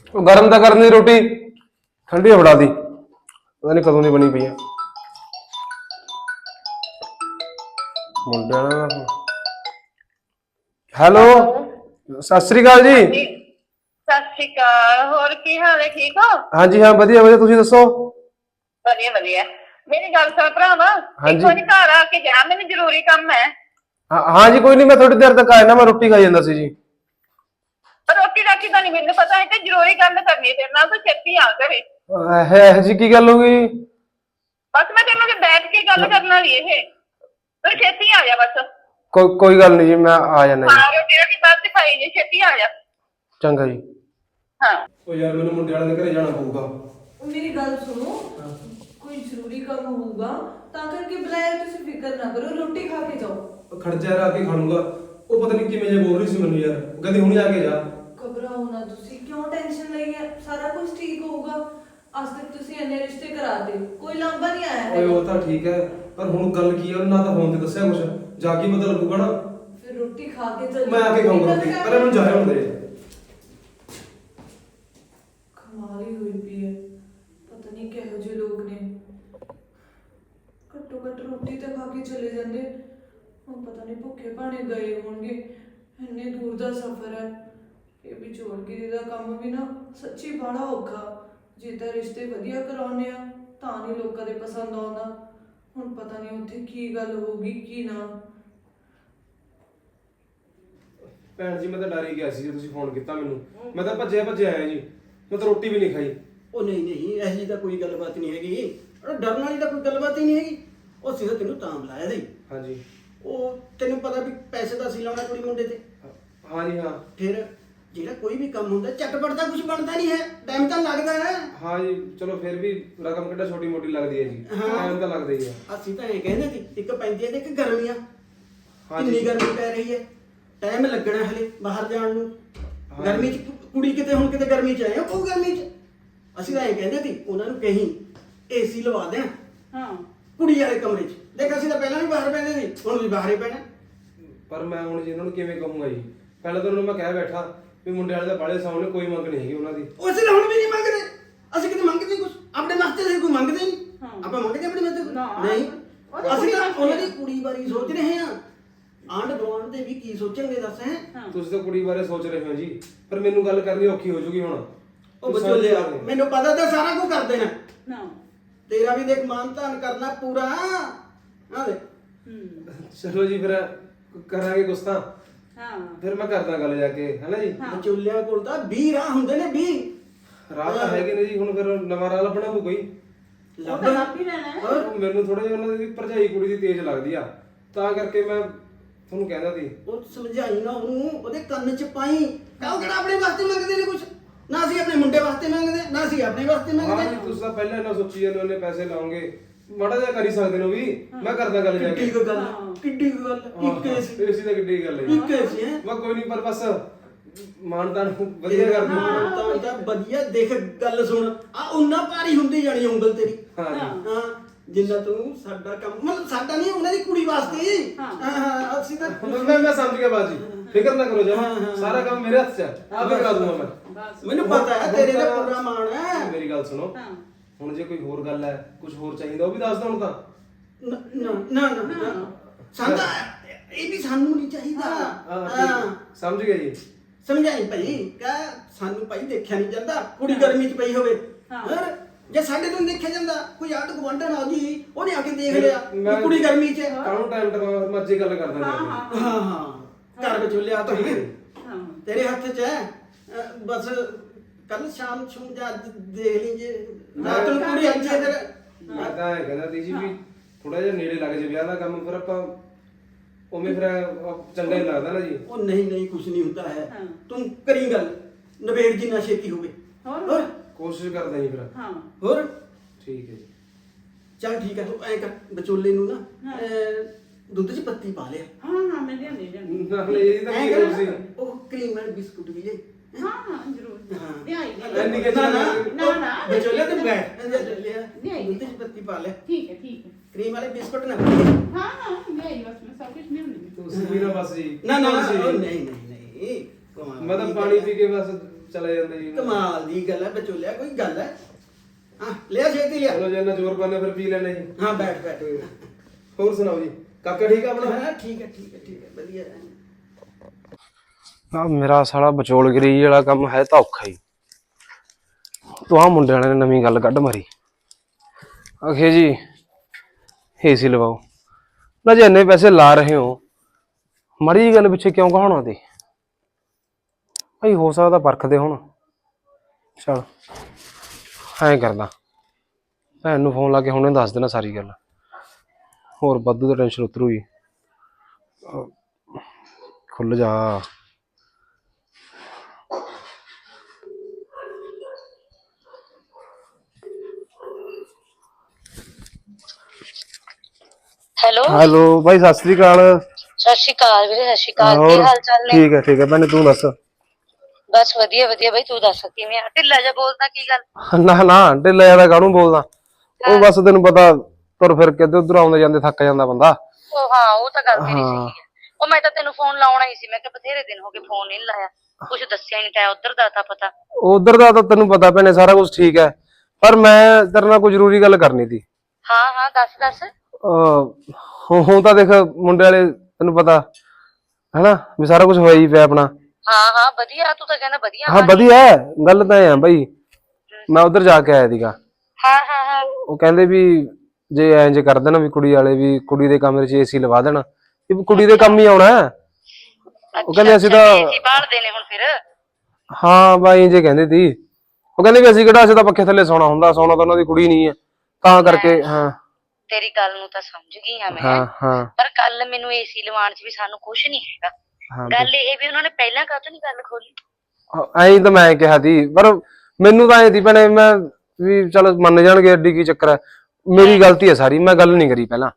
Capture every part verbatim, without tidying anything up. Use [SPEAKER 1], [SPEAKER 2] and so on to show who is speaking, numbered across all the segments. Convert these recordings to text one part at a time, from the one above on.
[SPEAKER 1] ਉਹ ਗਰਮ ਤਾਂ ਕਰਨੀ ਰੋਟੀ, ਠੰਡੀ ਫੜਾ ਦੀ। ਪਤਾ ਨਹੀਂ ਕਦੋਂ ਦੀ ਬਣੀ ਪਈ ਆ ਮੁੰਡਿਆਂ ਨਾਲ। ਹੈਲੋ, ਸਤਿ ਸ੍ਰੀ ਅਕਾਲ ਜੀ।
[SPEAKER 2] ਸਤਿ ਸ਼੍ਰੀ ਅਕਾਲ। ਹੋਰ ਕੀ ਹਾਲ ਹੈ? ਠੀਕ ਹੋ?
[SPEAKER 1] ਹਾਂਜੀ ਹਾਂ, ਵਧੀਆ ਵਧੀਆ, ਤੁਸੀਂ ਦੱਸੋ?
[SPEAKER 2] ਵਧੀਆ ਵਧੀਆ। ਮੇਰੀ ਗੱਲ ਸੁਣ ਭਰਾਵਾ,
[SPEAKER 1] ਹਾਂਜੀ।
[SPEAKER 2] ਇੱਕ ਵਾਰੀ ਘਰ ਆ ਕੇ ਜਾ, ਮੈਨੂੰ ਜ਼ਰੂਰੀ ਕੰਮ ਹੈ।
[SPEAKER 1] ਹਾਂ ਹਾਂ ਜੀ, ਕੋਈ ਨਹੀਂ, ਮੈਂ ਥੋੜੀ ਦੇਰ ਤੱਕ ਆ ਜਾਣਾ। ਮੈਂ ਰੋਟੀ ਖਾਈ ਜਾਂਦਾ ਸੀ ਜੀ।
[SPEAKER 2] ਰੋਟੀ ਰਾਟੀ ਦਾ ਨਹੀਂ ਮੈਨੂੰ ਪਤਾ ਹੈ, ਤੇ ਜ਼ਰੂਰੀ ਗੱਲ ਕਰਨੀ ਤੇਰੇ ਨਾਲ, ਤੂੰ ਛੇਤੀ ਆ ਘਰੇ।
[SPEAKER 1] ਹੈ ਇਹ ਜੀ ਕੀ ਗੱਲ ਹੋ ਗਈ?
[SPEAKER 2] ਬਸ ਮੈਂ ਤੇਰੇ ਨਾਲ ਬੈਠ ਕੇ ਗੱਲ ਕਰਨ ਵਾਲੀ ਇਹ, ਤੂੰ ਛੇਤੀ ਆ ਜਾ ਬਸ।
[SPEAKER 1] ਕੋਈ ਕੋਈ ਗੱਲ ਨਹੀਂ ਜੀ, ਮੈਂ ਆ ਜਾਣਾ ਜੀ।
[SPEAKER 2] ਹਾਂ, ਰੋਟੀ ਰਾਟੀ ਬਾਅਦ ਚ ਖਾਈ ਜੀ, ਛੇਤੀ ਆ ਜਾ।
[SPEAKER 1] ਚੰਗਾ ਜੀ।
[SPEAKER 2] ਹਾਂ।
[SPEAKER 1] ਉਹ ਯਾਰ, ਮੈਨੂੰ ਮੁੰਡੇ ਵਾਲੇ ਦੇ ਘਰੇ ਜਾਣਾ ਪਊਗਾ।
[SPEAKER 3] ਮੇਰੀ ਗੱਲ ਸੁਣੋ, ਕੋਈ ਜ਼ਰੂਰੀ ਕੰਮ ਹੋਊਗਾ ਤਾਂ ਕਰਕੇ ਬੁਲਾਇਆ, ਤੁਸੀਂ ਫਿਕਰ ਨਾ ਕਰੋ, ਰੋਟੀ ਖਾ ਕੇ ਜਾਓ।
[SPEAKER 1] ਖਰਚਾ ਰਾ ਕੇ ਖਾਣੂਗਾ। ਉਹ ਪਤਾ ਨਹੀਂ ਕਿਵੇਂ ਜੇ ਬੋਲ ਰਹੀ ਸੀ ਮੈਨੂੰ ਯਾਰ, ਉਹ ਕਹਿੰਦੀ ਹੁਣੇ ਆ ਕੇ ਜਾ।
[SPEAKER 3] ਘਬਰਾਓ ਨਾ ਤੁਸੀਂ, ਕਿਉਂ ਟੈਨਸ਼ਨ ਲਈ ਹੈ? ਸਾਰਾ ਕੁਝ ਠੀਕ ਹੋਊਗਾ। ਅੱਜ ਤੱਕ ਤੁਸੀਂ ਇੰਨੇ ਰਿਸ਼ਤੇ ਕਰਾਤੇ, ਕੋਈ ਲਾਂਭਾ ਨਹੀਂ ਆਇਆ
[SPEAKER 1] ਓਏ ਉਹ ਤਾਂ ਠੀਕ ਹੈ, ਪਰ ਹੁਣ ਗੱਲ ਕੀ ਹੈ, ਉਹਨਾਂ ਤਾਂ ਫੋਨ ਤੇ ਦੱਸਿਆ ਕੁਛ, ਜਾ ਕੇ ਪਤਾ ਲੱਗੂਗਾ ਨਾ।
[SPEAKER 3] ਫਿਰ ਰੋਟੀ ਖਾ ਕੇ ਚੱਲ।
[SPEAKER 1] ਮੈਂ ਆ ਕੇ ਖਾਊਂਗਾ ਰੋਟੀ, ਪਹਿਲਾਂ ਮੈਨੂੰ ਜਾਇਆ ਹੁੰਦੇ।
[SPEAKER 3] ਕਮਾਲ ਹੀ ਹੋਈ ਪਈ ਹੈ, ਪਤਾ ਨਹੀਂ ਕਿਹੋ ਜਿਹੇ ਲੋਕ ਨੇ। ਘੱਟੋ ਘੱਟ ਰੋਟੀ ਤਾਂ ਖਾ ਕੇ ਚਲੇ ਜਾਂਦੇ। ਹੁਣ ਪਤਾ ਨਹੀਂ ਭੁੱਖੇ ਭਾਣੇ ਗਏ ਹੋਣਗੇ, ਇੰਨੇ ਦੂਰ ਦਾ ਸਫ਼ਰ ਹੈ। ਇਹ ਵਿਚੋਲਗਿਰੀ ਦਾ ਕੰਮ ਵੀ ਨਾ ਸੱਚੀ ਬੜਾ ਔਖਾ। ਜੇ ਤਾਂ ਰਿਸ਼ਤੇ ਵਧੀਆ ਕਰਾਉਣੇ ਆ ਤਾਂ ਨਹੀਂ ਲੋਕਾਂ ਦੇ ਪਸੰਦ ਆਉਂਦਾ। ਹੁਣ ਪਤਾ ਨਹੀਂ ਉੱਥੇ ਕੀ ਗੱਲ ਹੋਊਗੀ ਕੀ ਨਾ।
[SPEAKER 1] ਭੈਣ ਜੀ, ਮੈਂ ਤਾਂ ਡਰ ਹੀ ਗਿਆ ਸੀ ਜਦੋਂ ਤੁਸੀਂ ਫੋਨ ਕੀਤਾ ਮੈਨੂੰ। ਮੈਂ ਤਾਂ ਭੱਜਿਆ ਭੱਜਿਆ ਆਇਆ ਜੀ, ਮੈਂ ਤਾਂ ਰੋਟੀ ਵੀ ਨਹੀਂ ਖਾਈ।
[SPEAKER 4] ਉਹ ਨਹੀਂ ਨਹੀਂ, ਇਹੋ ਜਿਹੀ ਤਾਂ ਕੋਈ ਗੱਲਬਾਤ ਨਹੀਂ ਹੈਗੀ। ਡਰਨ ਵਾਲੀ ਤਾਂ ਕੋਈ ਗੱਲਬਾਤ ਹੀ ਨਹੀਂ ਹੈਗੀ। ਉਹ ਸਿੱਧਾ ਤੈਨੂੰ ਤਾਂ ਬੁਲਾਇਆ ਸੀ।
[SPEAKER 1] ਹਾਂਜੀ।
[SPEAKER 4] ਉਹ ਤੈਨੂੰ ਪਤਾ ਵੀ ਪੈਸੇ ਦਾ ਅਸੀਂ ਲਾਉਣਾ ਕੁੜੀ ਮੁੰਡੇ ਤੇ।
[SPEAKER 1] ਹਾਂਜੀ ਹਾਂ।
[SPEAKER 4] ਫਿਰ ਜਿਹੜਾ ਕੋਈ ਵੀ ਕੰਮ ਹੁੰਦਾ ਝਟਪਟ ਤਾਂ ਕੁਝ ਬਣਦਾ ਨਹੀਂ ਹੈ, ਟਾਈਮ ਤਾਂ ਲੱਗਦਾ ਹੈ।
[SPEAKER 1] ਹਾਂ ਜੀ, ਚਲੋ ਫਿਰ ਵੀ ਰਕਮ ਕਿੱਡਾ ਛੋਟੀ ਮੋਟੀ ਲੱਗਦੀ ਹੈ ਜੀ,
[SPEAKER 4] ਹਾਂ।
[SPEAKER 1] ਟਾਈਮ ਤਾਂ ਲੱਗਦਾ ਹੀ ਆ।
[SPEAKER 4] ਅਸੀਂ ਤਾਂ ਇਹ ਕਹਿੰਦੇ ਸੀ, ਇੱਕ ਪੈਂਦੀ ਹੈ ਤੇ ਇੱਕ ਗਰਮੀਆਂ।
[SPEAKER 1] ਹਾਂਜੀ।
[SPEAKER 4] ਕਿੰਨੀ ਗਰਮੀ ਪੈ ਰਹੀ ਹੈ, ਟਾਈਮ ਲੱਗਣਾ ਹਲੇ ਬਾਹਰ ਜਾਣ ਨੂੰ।
[SPEAKER 1] ਹਾਂ।
[SPEAKER 4] ਗਰਮੀ 'ਚ ਕੁੜੀ ਕਿਤੇ ਹੁਣ ਕਿਤੇ ਗਰਮੀ 'ਚ ਆਏ ਉਹ ਗਰਮੀ 'ਚ। ਅਸੀਂ ਤਾਂ ਇਹ ਕਹਿੰਦੇ ਸੀ ਉਹਨਾਂ ਨੂੰ ਕਹੀਂ ਏਸੀ ਲਵਾ ਦੇਣ
[SPEAKER 3] ਹਾਂ
[SPEAKER 4] ਕੁੜੀ ਵਾਲੇ ਕਮਰੇ 'ਚ। ਦੇਖ, ਅਸੀਂ ਤਾਂ ਪਹਿਲਾਂ ਵੀ ਬਾਹਰ ਪੈਂਦੇ ਸੀ, ਹੁਣ ਵੀ ਬਾਹਰ ਹੀ ਪੈਣਾ।
[SPEAKER 1] ਪਰ ਮੈਂ ਹੁਣ ਜੀ ਇਹਨਾਂ ਨੂੰ ਕਿਵੇਂ ਕਹੂੰਗਾ ਜੀ? ਪਹਿਲਾਂ ਤਾਂ ਉਹਨਾਂ ਨੂੰ ਮੈਂ ਕਹਿ ਬੈਠਾ ਵੀ ਮੁੰਡੇ ਵਾਲੇ ਦਾ ਬਾਲੇ ਸਾਹਮਣੇ ਕੋਈ ਮੰਗ ਨਹੀਂ ਹੈਗੀ ਉਹਨਾਂ ਦੀ।
[SPEAKER 4] ਉਹ ਅਸੀਂ ਤਾਂ ਹੁਣ ਵੀ ਨਹੀਂ ਮੰਗਦੇ। ਅਸੀਂ ਕਿਤੇ ਮੰਗਦੇ ਨਹੀਂ ਕੁਝ ਆਪਣੇ ਵਾਸਤੇ, ਅਸੀਂ ਕੋਈ ਮੰਗਦੇ ਨਹੀਂ। ਆਪਾਂ ਮੰਗਦੇ ਆਪਣੇ ਵਾਸਤੇ ਕੁਛ? ਨਹੀਂ, ਅਸੀਂ ਤਾਂ ਉਹਨਾਂ ਦੀ ਕੁੜੀ ਬਾਰੇ ਸੋਚ ਰਹੇ ਹਾਂ। ਆਂਢ ਗੁਆਂਢ ਦੇ ਵੀ ਕੀ ਸੋਚਣਗੇ ਦੱਸ। ਹੈ
[SPEAKER 1] ਤੁਸੀਂ ਤਾਂ ਕੁੜੀ ਬਾਰੇ ਸੋਚ ਰਹੇ ਹੋ ਜੀ, ਪਰ ਮੈਨੂੰ ਗੱਲ ਕਰਨੀ ਔਖੀ ਹੋ ਜੂਗੀ ਹੁਣ।
[SPEAKER 4] ਉਹ ਬਚੋਲਿਆ, ਮੈਨੂੰ ਪਤਾ ਤਾਂ ਸਾਰਾ ਕੁਝ ਕਰਦੇ ਨੇ।
[SPEAKER 3] ਨਾ
[SPEAKER 4] ਤੇਰਾ ਵੀ ਦੇਖ ਮਾਨ ਤਾਨ ਕਰਨਾ ਪੂਰਾ। ਹਾਂ ਦੇ
[SPEAKER 1] ਚਲੋ ਜੀ, ਫਿਰ ਕਰਾਂਗੇ ਕੁਛ ਤਾਂ।
[SPEAKER 3] ਹਾਂ
[SPEAKER 1] ਫਿਰ ਮੈਂ ਕਰਦਾ ਗੱਲ ਜਾ ਕੇ, ਹੈਨਾ ਜੀ।
[SPEAKER 4] ਬਚੋਲਿਆਂ ਕੋਲ ਤਾਂ ਵੀਹ ਰਾਹ ਹੁੰਦੇ ਨੇ, ਵੀਹ
[SPEAKER 1] ਰਾਹ ਤਾਂ ਹੈਗੇ ਨੇ ਜੀ। ਹੁਣ ਫਿਰ ਨਵਾਂ ਰਾਹ ਲੱਭਣਾ ਪਊ ਕੋਈ।
[SPEAKER 4] ਲੱਭ
[SPEAKER 3] ਹੀ ਰਹਿਣਾ ਹੈ।
[SPEAKER 1] ਉਹ ਮੈਨੂੰ ਥੋੜਾ ਜਿਹਾ ਉਹਨਾਂ ਦੀ ਭਰਜਾਈ ਕੁੜੀ ਦੀ ਤੇਜ਼ ਲੱਗਦੀ ਆ, ਤਾਂ ਕਰਕੇ ਮੈਂ ਤੁਹਾਨੂੰ ਕਹਿੰਦਾ ਸੀ।
[SPEAKER 4] ਉਹ ਸਮਝਾਈ ਨਾ ਉਹਨੂੰ, ਉਹਦੇ ਕੰਨ 'ਚ ਪਾਈ। ਕਾਹ ਕਿਹੜਾ ਆਪਣੇ ਵਾਸਤੇ ਮੰਗਦੇ ਨੇ ਕੁਝ ਨਾ। ਅਸੀਂ ਆਪਣੇ ਮੁੰਡੇ ਵਾਸਤੇ ਮੰਗਦੇ, ਨਾ ਅਸੀਂ ਆਪਣੇ ਵਾਸਤੇ
[SPEAKER 1] ਹਾਂ
[SPEAKER 4] ਮੰਗਦੇ।
[SPEAKER 1] ਜੀ, ਤੁਸੀਂ ਤਾਂ ਪਹਿਲਾਂ ਇਹਨਾਂ ਸੋਚੀ ਜਾਂਦੇ ਉਹਨੇ ਪੈਸੇ ਲਾਉਂਗੇ, ਮਾੜਾ ਜਿਹਾ ਕਰ ਹੀ ਸਕਦੇ ਨੇ ਉਹ ਵੀ। ਮੈਂ ਕਰਦਾ ਗੱਲ ਜਾ ਕੇ।
[SPEAKER 4] ਕਿੱਡੀ ਕੁ ਗੱਲ, ਕਿੱਡੀ ਕੁ ਗੱਲ। ਇੱਕ ਏਸੀ,
[SPEAKER 1] ਏਸੀ ਤਾਂ ਕਿੱਡੀ ਗੱਲ ਹੈ ਜੀ।
[SPEAKER 4] ਇੱਕ ਏਸੀ ਹੈ।
[SPEAKER 1] ਮੈਂ ਕੋਈ ਨਹੀਂ, ਪਰ ਬਸ ਮਾਨਦਾਨ ਵਧੀਆ ਕਰ ਦੂੰ।
[SPEAKER 4] ਤਾਂ ਤਾਂ ਵਧੀਆ। ਦੇਖ ਗੱਲ ਸੁਣ, ਆ ਉਹਨਾਂ ਭਾਰੀ ਹੁੰਦੀ ਜਾਣੀ ਉਂਗਲ ਤੇਰੀ।
[SPEAKER 1] ਹਾਂ ਜੀ।
[SPEAKER 4] ਹਾਂ, ਜਿੰਨਾ ਤੂੰ ਸਾਡਾ ਕੰਮ, ਮਤਲਬ ਸਾਡਾ ਨਹੀਂ, ਉਹਨਾਂ ਦੀ ਕੁੜੀ ਵਾਸਤੇ। ਹਾਂ ਹਾਂ, ਅਸੀਂ ਤਾਂ
[SPEAKER 1] ਮੈਂ ਮੈਂ ਸਮਝ ਗਿਆ ਬਾਜੀ, ਫਿਕਰ ਨਾ ਕਰੋ ਜਮਾ, ਸਾਰਾ ਕੰਮ ਮੇਰੇ ਹੱਥ 'ਚ ਹੈ, ਆਪੇ ਕਰਾ ਦੂੰਗਾ ਮੈਂ।
[SPEAKER 4] ਮੈਨੂੰ ਪਤਾ ਹੈ ਤੇਰੇ ਦਾ ਪੂਰਾ ਮਾਣ ਹੈ।
[SPEAKER 1] ਮੇਰੀ ਗੱਲ ਸੁਣੋ, ਹੁਣ ਜੇ ਕੋਈ ਹੋਰ ਗੱਲ ਹੈ, ਕੁਝ ਹੋਰ ਚਾਹੀਦਾ, ਉਹ ਵੀ ਦੱਸ ਦੋ ਹੁਣ ਤਾਂ।
[SPEAKER 4] ਨਾ ਨਾ ਨਾ ਨਾ, ਸਾਡਾ ਇਹ ਵੀ ਸਾਨੂੰ ਨਹੀਂ ਚਾਹੀਦਾ। ਹਾਂ,
[SPEAKER 1] ਸਮਝ ਗਿਆ ਜੀ।
[SPEAKER 4] ਸਮਝਾਈ ਭਾਈ, ਕਹ ਸਾਨੂੰ ਭਾਈ ਦੇਖਿਆ ਨਹੀਂ ਜਾਂਦਾ ਕੁੜੀ ਗਰਮੀ 'ਚ ਪਈ ਹੋਵੇ। ਹਾਂ, ਜੇ ਸਾਡੇ ਤੋਂ ਦੇਖਿਆ ਜਾਂਦਾ, ਕੋਈ ਆਟ ਗਵਾਂਢਣ ਆ ਗਈ, ਉਹਨੇ ਆ ਕੇ ਦੇਖ ਲਿਆ ਕਿ ਕੁੜੀ ਗਰਮੀ 'ਚ ਹੈ।
[SPEAKER 1] ਕਾਹਨੂੰ ਟਾਈਮ ਟਪਾ, ਮਰਜ਼ੀ ਗੱਲ ਕਰਦਾ
[SPEAKER 4] ਹਾਂ ਹਾਂ ਹਾਂ, ਘਰ ਵਿੱਚ ਲਿਆ ਤਾਂ ਤੇਰੇ ਹੱਥ 'ਚ ਹੈ। ਬਸ ਕੱਲ ਸ਼ਾਮ ਨੂੰ ਜਾ ਦੇਖ ਲਈ, ਜੇ ਰਾਤ ਨੂੰ ਕੁੜੀ ਅੱਛੀ ਹੈ।
[SPEAKER 1] ਮੈਂ ਤਾਂ ਇਹ ਕਹਿੰਦਾ ਸੀ ਜੀ ਵੀ ਥੋੜਾ ਜਿਹਾ ਨੇੜੇ ਲੱਗ ਜੇ ਵਿਆਹ ਦਾ ਕੰਮ, ਫਿਰ ਆਪਾਂ ਉਵੇਂ ਫਿਰ ਚੰਗਾ ਹੀ ਲੱਗਦਾ ਨਾ ਜੀ।
[SPEAKER 4] ਉਹ ਨਹੀਂ ਨਹੀਂ, ਕੁਛ ਨਹੀਂ ਹੁੰਦਾ ਹੈ। ਤੂੰ ਕਰੀ ਗੱਲ, ਨਵੇੜ ਜਿੰਨਾ ਛੇਤੀ ਹੋਵੇ। ਹੋਰ
[SPEAKER 1] ਕੋਸ਼ਿਸ਼ ਕਰਦਾ ਜੀ ਫਿਰ।
[SPEAKER 3] ਹਾਂ
[SPEAKER 4] ਹੋਰ
[SPEAKER 1] ਠੀਕ ਹੈ ਜੀ।
[SPEAKER 4] ਚੱਲ ਠੀਕ ਹੈ, ਤੂੰ ਐ ਕਰ, ਵਿਚੋਲੇ ਨੂੰ ਨਾ ਦੁੱਧ 'ਚ ਪੱਤੀ ਪਾ ਲਿਆ।
[SPEAKER 3] ਹਾਂ ਹਾਂ, ਮੈਂ ਲਿਆਂਦੀ ਲਿਆਂਦੀ।
[SPEAKER 1] ਨਾਲੇ ਇਹ ਤਾਂ ਕੀ ਕਰੋ ਤੁਸੀਂ?
[SPEAKER 4] ਉਹ ਕਰੀਮ ਵਾਲੇ ਬਿਸਕੁਟ ਵੀ ਲੈ।
[SPEAKER 3] ਹਾਂ ਹਾਂ ਜ਼ਰੂਰ।
[SPEAKER 4] ਹਾਂ।
[SPEAKER 3] ਲਿਆਈ
[SPEAKER 1] ਇੰਨੀ ਕਿ
[SPEAKER 4] ਨਾ ਨਾ
[SPEAKER 3] ਨਾ ਨਾ,
[SPEAKER 4] ਵਿਚੋਲੇ ਤੂੰ ਬੈਠ, ਲਿਆ
[SPEAKER 3] ਲਿਆਈ।
[SPEAKER 4] ਦੁੱਧ 'ਚ ਪੱਤੀ ਪਾ ਲਿਆ।
[SPEAKER 3] ਠੀਕ ਹੈ ਠੀਕ ਹੈ।
[SPEAKER 4] ਕਰੀਮ ਵਾਲੇ ਬਿਸਕੁਟ ਨਾ।
[SPEAKER 3] ਹਾਂ ਹਾਂ, ਲਿਆਈ ਬਸ, ਮੈਂ ਸਭ ਕੁਝ ਲਿਆਉਂਦੀ।
[SPEAKER 1] ਤੁਸੀਂ ਵੀ ਨਾ ਬਸ ਜੀ।
[SPEAKER 4] ਨਾ ਨਾ
[SPEAKER 1] ਤੁਸੀਂ-
[SPEAKER 4] ਉਹ ਨਹੀਂ ਨਹੀਂ ਨਹੀਂ,
[SPEAKER 1] ਮੈਂ ਤਾਂ ਪਾਣੀ ਪੀ ਕੇ ਬਸ ਚਲੇ ਜਾਂਦੇ ਜੀ
[SPEAKER 4] ਕਮਾਲ ਦੀ ਗੱਲ ਹੈ ਵਿਚੋਲਿਆ, ਕੋਈ ਗੱਲ ਹੈ? ਹਾਂ ਲਿਆ ਛੇਤੀ ਲਿਆ।
[SPEAKER 1] ਚਲੋ ਜੇ ਇੰਨਾ ਜ਼ੋਰ ਪਾਉਂਦੇ ਫਿਰ ਪੀ ਲੈਣੇ ਜੀ।
[SPEAKER 4] ਹਾਂ ਬੈਠ ਬੈਠ।
[SPEAKER 1] ਹੋਰ ਸੁਣਾਓ ਜੀ, ਕਾਕਾ ਠੀਕ ਆ ਆਪਣਾ?
[SPEAKER 4] ਹਾਂ ਠੀਕ ਹੈ ਠੀਕ ਹੈ ਠੀਕ ਹੈ ਵਧੀਆ ਹੈ।
[SPEAKER 1] ਆ ਮੇਰਾ ਸਾਲਾ ਵਿਚੋਲਗਰੀ ਵਾਲਾ ਕੰਮ ਹੈ ਤਾਂ ਔਖਾ ਹੀ। ਤੂੰ ਆ ਮੁੰਡੇ ਵਾਲਿਆਂ ਨੇ ਨਵੀਂ ਗੱਲ ਕੱਢ ਮਾਰੀ, ਆਖੇ ਜੀ ਏਸੀ ਲਵਾਓ ਨਾ, ਜੇ ਇੰਨੇ ਪੈਸੇ ਲਾ ਰਹੇ ਹੋ ਮਾੜੀ ਜਿਹੀ ਗੱਲ ਪਿੱਛੇ ਕਿਉਂ ਕਹਾਉਣਾ ਤੇ ਭਾਈ, ਹੋ ਸਕਦਾ ਪਰਖਦੇ ਹੁਣ। ਚਲ ਐਂ ਕਰਦਾ, ਭੈਣ ਨੂੰ ਫੋਨ ਲਾ ਕੇ ਹੁਣੇ ਦੱਸ ਦੇਣਾ ਸਾਰੀ ਗੱਲ, ਹੋਰ ਵਾਧੂ ਦੀ ਟੈਨਸ਼ਨ ਉਤਰੂਗੀ। ਖੁੱਲ ਜਾ।
[SPEAKER 2] ਹੈਲੋ
[SPEAKER 1] ਹੈਲੋ ਭਾਈ, ਸਤਿ ਸ੍ਰੀ ਅਕਾਲ।
[SPEAKER 2] ਸਤਿ ਸ਼੍ਰੀ ਅਕਾਲ ਵੀਰੇ, ਸਤਿ ਸ਼੍ਰੀ ਅਕਾਲ। ਕੀ
[SPEAKER 1] ਹੋਰ
[SPEAKER 2] ਹਾਲ ਚਾਲ ਨੇ?
[SPEAKER 1] ਠੀਕ ਹੈ ਠੀਕ ਹੈ ਭੈਣੇ, ਤੂੰ ਦੱਸ?
[SPEAKER 2] ਬਸ ਵਧੀਆ ਵਧੀਆ ਬਾਈ, ਤੂੰ ਦੱਸ ਕਿਵੇਂ ਆ? ਢਿੱਲਾ ਜਿਹਾ ਬੋਲਦਾ, ਕੀ ਗੱਲ?
[SPEAKER 1] ਨਾ ਨਾ ਢਿੱਲਾ ਜਿਆਦਾ ਕਾਹਨੂੰ ਬੋਲਦਾ, ਉਹ ਬਸ ਤੈਨੂੰ ਪਤਾ ਤੁਰ ਫਿਰ ਕੇ ਇੱਧਰ ਉੱਧਰ ਆਉਂਦੇ ਜਾਂਦੇ ਥੱਕ ਜਾਂਦਾ ਬੰਦਾ।
[SPEAKER 2] ਉਹ ਹਾਂ, ਉਹ ਤਾਂ ਗੱਲ ਤੇਰੀ ਸਹੀ ਹੈ। ਉਹ ਮੈਂ ਤਾਂ ਤੈਨੂੰ ਫੋਨ ਲਾਉਣਾ ਹੀ ਸੀ, ਮੈਂ ਕਿਹਾ ਬਥੇਰੇ ਦਿਨ ਹੋ ਗਏ ਫੋਨ ਨਹੀਂ ਲਾਇਆ, ਕੁਛ ਦੱਸਿਆ ਨਹੀਂ ਤੈਂ ਉਧਰ ਦਾ ਤਾਂ ਪਤਾ।
[SPEAKER 1] ਉਧਰ ਦਾ ਤਾਂ ਤੈਨੂੰ ਪਤਾ ਭੈਣੇ ਸਾਰਾ ਕੁਝ ਠੀਕ ਹੈ, ਪਰ ਮੈਂ ਤੇਰੇ ਨਾਲ ਕੋਈ ਜ਼ਰੂਰੀ ਗੱਲ ਕਰਨੀ ਸੀ।
[SPEAKER 2] ਹਾਂ ਹਾਂ ਦੱਸ ਦੱਸ।
[SPEAKER 1] ਅਹ ਹੁਣ ਤਾਂ ਦੇਖ ਮੁੰਡੇ ਵਾਲੇ ਤੈਨੂੰ ਪਤਾ ਹੈਨਾ ਵੀ ਸਾਰਾ ਕੁਝ ਹੋਇਆ ਹੀ ਪਿਆ ਆਪਣਾ।
[SPEAKER 2] ਹਾਂ ਹਾਂ ਵਧੀਆ, ਤੂੰ ਤਾਂ ਕਹਿੰਦਾ ਵਧੀਆ।
[SPEAKER 1] ਹਾਂ ਵਧੀਆ ਗੱਲ ਤਾਂ ਇਹ ਆ ਬਈ, ਮੈਂ ਉਧਰ ਜਾ ਕੇ ਆਇਆ ਸੀਗਾ।
[SPEAKER 2] ਹਾਂ ਹਾਂ ਹਾਂ।
[SPEAKER 1] ਉਹ ਕਹਿੰਦੇ ਵੀ ਜੇ ਇੰਜ ਕਰ ਦੇਣਾ ਵੀ ਕੁੜੀ ਵਾਲੇ ਵੀ ਕੁੜੀ ਦੇ ਕਮਰੇ 'ਚ ਏਸੀ ਲਵਾ ਦੇਣਾ, ਵੀ ਕੁੜੀ ਦੇ ਕੰਮ ਹੀ ਆਉਣਾ। ਉਹ ਕਹਿੰਦੇ ਅਸੀਂ ਤਾਂ
[SPEAKER 2] ਏਸੀ ਬਾਲਦੇ ਨੇ ਹੁਣ ਫਿਰ।
[SPEAKER 1] ਹਾਂ ਬਾਈ ਜੇ ਕਹਿੰਦੇ ਸੀ, ਉਹ ਕਹਿੰਦੇ ਵੀ ਅਸੀਂ ਕਿਹੜਾ ਅਸੀਂ ਤਾਂ ਪੱਖੇ ਥੱਲੇ ਸੌਣਾ ਹੁੰਦਾ, ਸੌਣਾ ਤਾਂ ਉਹਨਾਂ ਦੀ ਕੁੜੀ ਨਹੀਂ ਹੈ ਤਾਂ ਕਰਕੇ। ਹਾਂ
[SPEAKER 2] ਤੇਰੀ ਗੱਲ ਨੂੰ ਤਾਂ ਸਮਝ ਗਈ ਆ ਮੈਂ,
[SPEAKER 1] ਹਾਂ ਹਾਂ
[SPEAKER 2] ਪਰ ਕੱਲ ਮੈਨੂੰ ਏਸੀ ਲਵਾਉਣ 'ਚ ਵੀ ਸਾਨੂੰ ਕੁਝ ਨਹੀਂ ਹੈਗਾ। ਗੱਲ ਇਹ ਵੀ ਉਹਨਾਂ ਨੇ ਪਹਿਲਾਂ ਕਾਹਤੋਂ ਨਹੀਂ ਗੱਲ ਖੋਲੀ?
[SPEAKER 1] ਐਂ ਤਾਂ ਮੈਂ ਕਿਹਾ ਸੀ, ਪਰ ਮੈਨੂੰ ਤਾਂ ਐਂ ਸੀ ਭੈਣੇ ਮੈਂ ਵੀ ਚੱਲ ਮੰਨ ਜਾਣਗੇ, ਐਡੀ ਕੀ ਚੱਕਰ ਹੈ, ਮੇਰੀ ਗਲਤੀ ਹੈ ਸਾਰੀ, ਮੈਂ ਗੱਲ ਨਹੀਂ ਕਰੀ ਪਹਿਲਾਂ।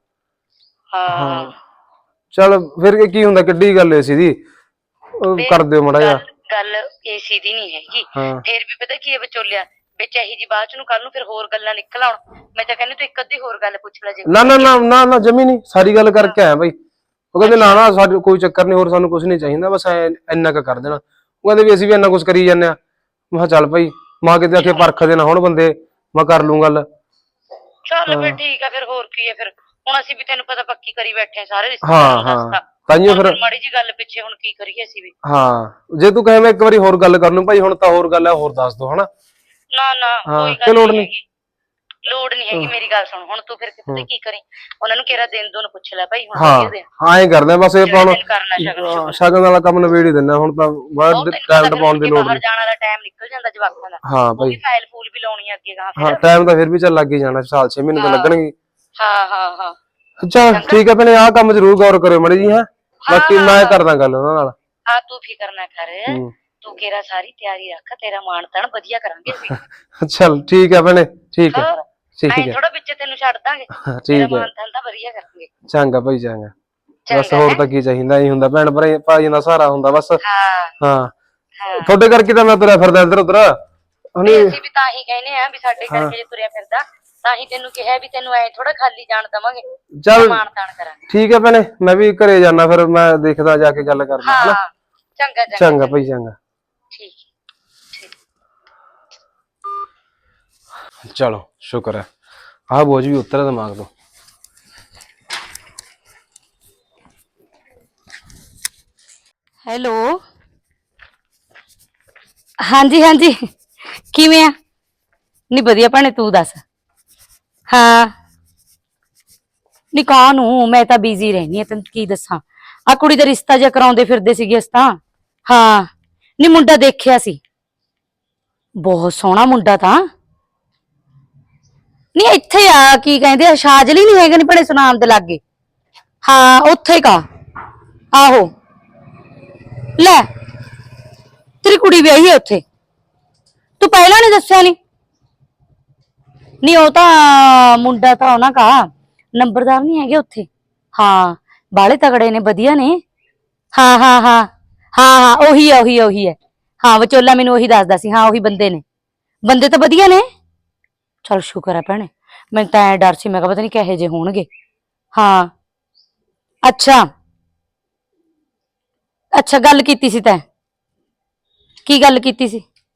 [SPEAKER 2] ਹਾਂ
[SPEAKER 1] ਚੱਲ ਫਿਰ ਕੀ ਹੁੰਦਾ, ਕਿੱਡੀ ਗੱਲ ਏਸੀ ਦੀ, ਕਰ ਦਿਓ ਮਾੜਾ ਜਿਹਾ।
[SPEAKER 2] ਗੱਲ ਏਸੀ ਦੀ ਨਹੀਂ ਹੈਗੀ, ਫਿਰ ਵੀ ਪਤਾ ਕੀ ਹੈ ਵਿਚੋਲਿਆ, ਵਿੱਚ ਇਹੀ ਜੀ ਬਾਅਦ ਚ ਨੂੰ ਕੱਲ ਨੂੰ ਫਿਰ ਹੋਰ ਗੱਲਾਂ ਨਿਕਲ ਆਉਣ। ਮੈਂ ਤਾਂ ਕਹਿੰਦੀ ਤੂੰ ਇੱਕ ਅੱਧੀ ਹੋਰ ਗੱਲ ਪੁੱਛ ਲੈ ਜੇ।
[SPEAKER 1] ਨਾ ਨਾ ਨਾ ਨਾ ਨਾ ਜਮੀ ਨਹੀਂ, ਸਾਰੀ ਗੱਲ ਕਰਕੇ ਆਇਆ ਬਾਈ। ਉਹ ਕਹਿੰਦੇ ਨਾ ਨਾ ਸਾਡੇ ਕੋਈ ਚੱਕਰ ਨਹੀਂ, ਹੋਰ ਸਾਨੂੰ ਕੁਝ ਨਹੀਂ ਚਾਹੀਦਾ, ਬਸ ਇੰਨਾ ਕੁ ਕਰ ਦੇਣਾ। ਉਹ ਕਹਿੰਦੇ ਵੀ ਅਸੀਂ ਵੀ ਇੰਨਾ ਕੁਝ ਕਰੀ ਜਾਂਦੇ ਆ। ਮੈਂ ਕਿਹਾ ਚੱਲ ਭਾਈ, ਮਾਂ ਕਿਤੇ ਆਖੇ ਪਰਖਦੇ ਨਾ ਹੁਣ ਬੰਦੇ, ਮੈਂ ਕਰ ਲੂੰ ਗੱਲ।
[SPEAKER 2] ਚੱਲ ਫਿਰ ਠੀਕ ਆ, ਫਿਰ ਹੋਰ ਕੀ ਹੈ, ਫਿਰ ਹੁਣ ਅਸੀਂ ਵੀ ਤੈਨੂੰ ਪਤਾ ਪੱਕੀ ਕਰੀ ਬੈਠੇ ਸਾਰੇ ਰਿਸ਼ਤੇ।
[SPEAKER 1] ਹਾਂ ਹਾਂ ਤਾਈਓ ਫਿਰ
[SPEAKER 2] ਮਾੜੀ ਜੀ ਗੱਲ ਪਿੱਛੇ ਹੁਣ ਕੀ ਕਰੀਏ ਅਸੀਂ ਵੀ।
[SPEAKER 1] ਹਾਂ ਜੇ ਤੂੰ ਕਹੇ ਮੈਂ ਇੱਕ ਵਾਰੀ ਹੋਰ ਗੱਲ ਕਰ ਲੂੰ ਭਾਈ, ਹੁਣ ਤਾਂ ਹੋਰ ਗੱਲ ਹੈ, ਹੋਰ ਦੱਸ ਦੋ ਹਨਾ।
[SPEAKER 2] ਨਾ ਨਾ ਕੋਈ ਗੱਲ ਨਹੀਂ, ਲੋੜ ਨਹੀਂ ਹੈਗੀ। ਮੇਰੀ ਗੱਲ ਸੁਣ, ਹੁਣ ਤੂੰ ਫਿਰ ਕਿਤੇ ਕੀ ਕਰੀ, ਉਹਨਾਂ ਨੂੰ ਕਿਹੜਾ ਦਿਨ ਦੋਨ ਪੁੱਛ ਲੈ ਭਾਈ। ਹੁਣ
[SPEAKER 1] ਹਾਂ ਐਂ ਕਰਦੇ ਬਸ, ਇਹ ਪਾਉਣ ਸ਼ਗਨ ਵਾਲਾ ਕੰਮ ਨਵੇੜ ਹੀ ਦਿੰਦਾ ਹੁਣ ਤਾਂ, ਬਾਹਰ ਟਾਈਮ ਪਾਉਣ ਦੀ ਲੋੜ ਨਹੀਂ।
[SPEAKER 2] ਜਾਣ ਵਾਲਾ ਟਾਈਮ ਨਿਕਲ ਜਾਂਦਾ ਜਵਾਕਾਂ ਦਾ।
[SPEAKER 1] ਹਾਂ ਭਾਈ
[SPEAKER 2] ਫਾਈਲ ਫੂਲ ਵੀ ਲਾਉਣੀ ਅੱਗੇ ਗਾ।
[SPEAKER 1] ਹਾਂ ਟਾਈਮ ਤਾਂ ਫਿਰ ਵੀ ਚੱਲ ਲੱਗ ਹੀ ਜਾਣਾ, ਸਾਲ ਛੇ ਮਹੀਨੇ ਤਾਂ ਲੱਗਣਗੇ।
[SPEAKER 2] ਹਾਂ ਹਾਂ ਹਾਂ
[SPEAKER 1] ਅੱਛਾ ਠੀਕ ਹੈ ਭੈਣੇ, ਆਹ ਕੰਮ ਜ਼ਰੂਰ ਗੌਰ ਕਰਿਓ ਮਾੜੀ ਜੀ। ਹੈ ਬਾਕੀ ਮੈਂ ਕਰਦਾ ਗੱਲ ਉਹਨਾਂ ਨਾਲ।
[SPEAKER 2] ਹਾਂ ਤੂੰ ਫਿਕਰ ਨਾ ਕਰ, ਤੂੰ ਕਿਹੜਾ ਸਾਰੀ ਤਿਆਰੀ ਰੱਖ, ਤੇਰਾ ਮਾਣ ਤਾਣ ਵਧੀਆ ਕਰਾਂਗੇ ਅਸੀਂ।
[SPEAKER 1] ਚੱਲ ਠੀਕ ਹੈ ਭੈਣੇ, ਠੀਕ ਹੈ ਠੀਕ ਹੈ।
[SPEAKER 2] ਥੋੜਾ ਵਿੱਚ ਤੈਨੂੰ ਛੱਡ ਦਾਂਗੇ,
[SPEAKER 1] ਤੇਰਾ
[SPEAKER 2] ਮਾਣ ਤਾਣ ਤਾਂ ਵਧੀਆ ਕਰਾਂਗੇ।
[SPEAKER 1] ਚੰਗਾ ਭਾਈ ਚੰਗਾ, ਬਸ ਹੋਰ ਤਾਂ ਕੀ ਚਾਹੀਦਾ, ਹੀ ਹੁੰਦਾ ਭੈਣ ਭਰਾ ਭਾਈ ਦਾ ਸਹਾਰਾ ਹੁੰਦਾ ਬਸ। ਹਾਂ ਤੁਹਾਡੇ ਕਰਕੇ ਤਾਂ ਮੈਂ ਤੁਰਿਆ ਫਿਰਦਾ ਇੱਧਰ ਉੱਧਰ।
[SPEAKER 2] ਅਸੀਂ ਵੀ ਤਾਂ ਹੀ ਕਹਿੰਦੇ ਆ ਵੀ ਸਾਡੇ ਕਰਕੇ ਜੇ ਤੁਰਿਆ ਫਿਰਦਾ, ਤਾਂ ਹੀ ਤੈਨੂੰ ਕਿਹਾ ਵੀ ਤੈਨੂੰ ਐ ਥੋੜਾ ਖਾਲੀ ਜਾਣ ਦਵਾਂਗੇ।
[SPEAKER 1] ਚੱਲ
[SPEAKER 2] ਮਾਣ ਤਾਣ ਕਰਾਂਗੇ।
[SPEAKER 1] ਠੀਕ ਹੈ ਭੈਣੇ, ਮੈਂ ਵੀ ਘਰੇ ਜਾਣਾ, ਫਿਰ ਮੈਂ ਦੇਖਦਾ ਜਾ ਕੇ ਗੱਲ ਕਰਦਾ ਹਨਾ।
[SPEAKER 2] ਚੰਗਾ
[SPEAKER 1] ਚੰਗਾ ਭਾਈ ਚੰਗਾ।
[SPEAKER 2] ਠੀਕ
[SPEAKER 1] ਚਲੋ ਸ਼ੁਕਰ ਹੈ, ਆਹ ਬੋਝ ਵੀ ਉਤਰਿਆ ਦਿਮਾਗ ਤੋਂ।
[SPEAKER 5] ਹੈਲੋ ਹਾਂਜੀ ਹਾਂਜੀ, ਕਿਵੇਂ ਆ? ਨਹੀਂ ਵਧੀਆ ਭੈਣੇ, ਤੂੰ ਦੱਸ। ਹਾਂ ਨੀ ਕਾਹਨੂੰ, ਮੈਂ ਤਾਂ ਬਿਜ਼ੀ ਰਹਿਨੀ ਆ, ਤੈਨੂੰ ਕੀ ਦੱਸਾਂ, ਆ ਕੁੜੀ ਦਾ ਰਿਸ਼ਤਾ ਜਿਹਾ ਕਰਾਉਂਦੇ ਫਿਰਦੇ ਸੀਗੇ ਅਸੀਂ ਤਾਂ। ਹਾਂ ਨੀ ਮੁੰਡਾ ਦੇਖਿਆ ਸੀ, ਬਹੁਤ ਸੋਹਣਾ ਮੁੰਡਾ ਤਾਂ। ਨੀ ਇੱਥੇ ਆ, ਕੀ ਕਹਿੰਦੇ ਆ, ਸ਼ਾਜਲੀ ਨੀ ਹੈਗੇ ਨੀ ਭੈਣੇ ਸੁਨਾਮ ਦੇ ਲਾਗੇ? ਹਾਂ ਉੱਥੇ ਕਾ, ਆਹੋ ਲੈ ਤੇਰੀ ਕੁੜੀ ਵਿਆਹੀ ਹੈ ਉੱਥੇ, ਤੂੰ ਪਹਿਲਾਂ ਨੀ ਦੱਸਿਆ? ਨੀ ਨੀ ਉਹ ਤਾਂ ਮੁੰਡਾ ਤਾਂ ਉਹਨਾਂ ਕਾ ਨੰਬਰਦਾਰ ਨੀ ਹੈਗੇ ਉੱਥੇ। ਹਾਂ ਬਾਲੇ ਤਗੜੇ ਨੇ, ਵਧੀਆ ਨੇ। ਹਾਂ ਹਾਂ ਹਾਂ ਹਾਂ ਹਾਂ ਉਹੀ ਹੈ ਉਹੀ ਹੈ ਉਹੀ ਹੈ। ਹਾਂ ਵਿਚੋਲਾ ਮੈਨੂੰ ਉਹੀ ਦੱਸਦਾ ਸੀ। ਹਾਂ ਉਹੀ ਬੰਦੇ ਨੇ, ਬੰਦੇ ਤਾਂ ਵਧੀਆ ਨੇ। ਚੱਲ ਸ਼ੁਕਰ ਹੈ ਭੈਣੇ, ਮੈਨੂੰ ਤਾਂ ਐ ਡਰ ਸੀ, ਮੈਂ ਕਿਹਾ ਪਤਾ ਨੀ ਕਿਹੋ ਜਿਹੇ ਹੋਣਗੇ। ਹਾਂ ਅੱਛਾ ਅੱਛਾ ਗੱਲ ਕੀਤੀ ਸੀ ਤੈਂ? ਕੀ ਗੱਲ ਕੀਤੀ ਸੀ?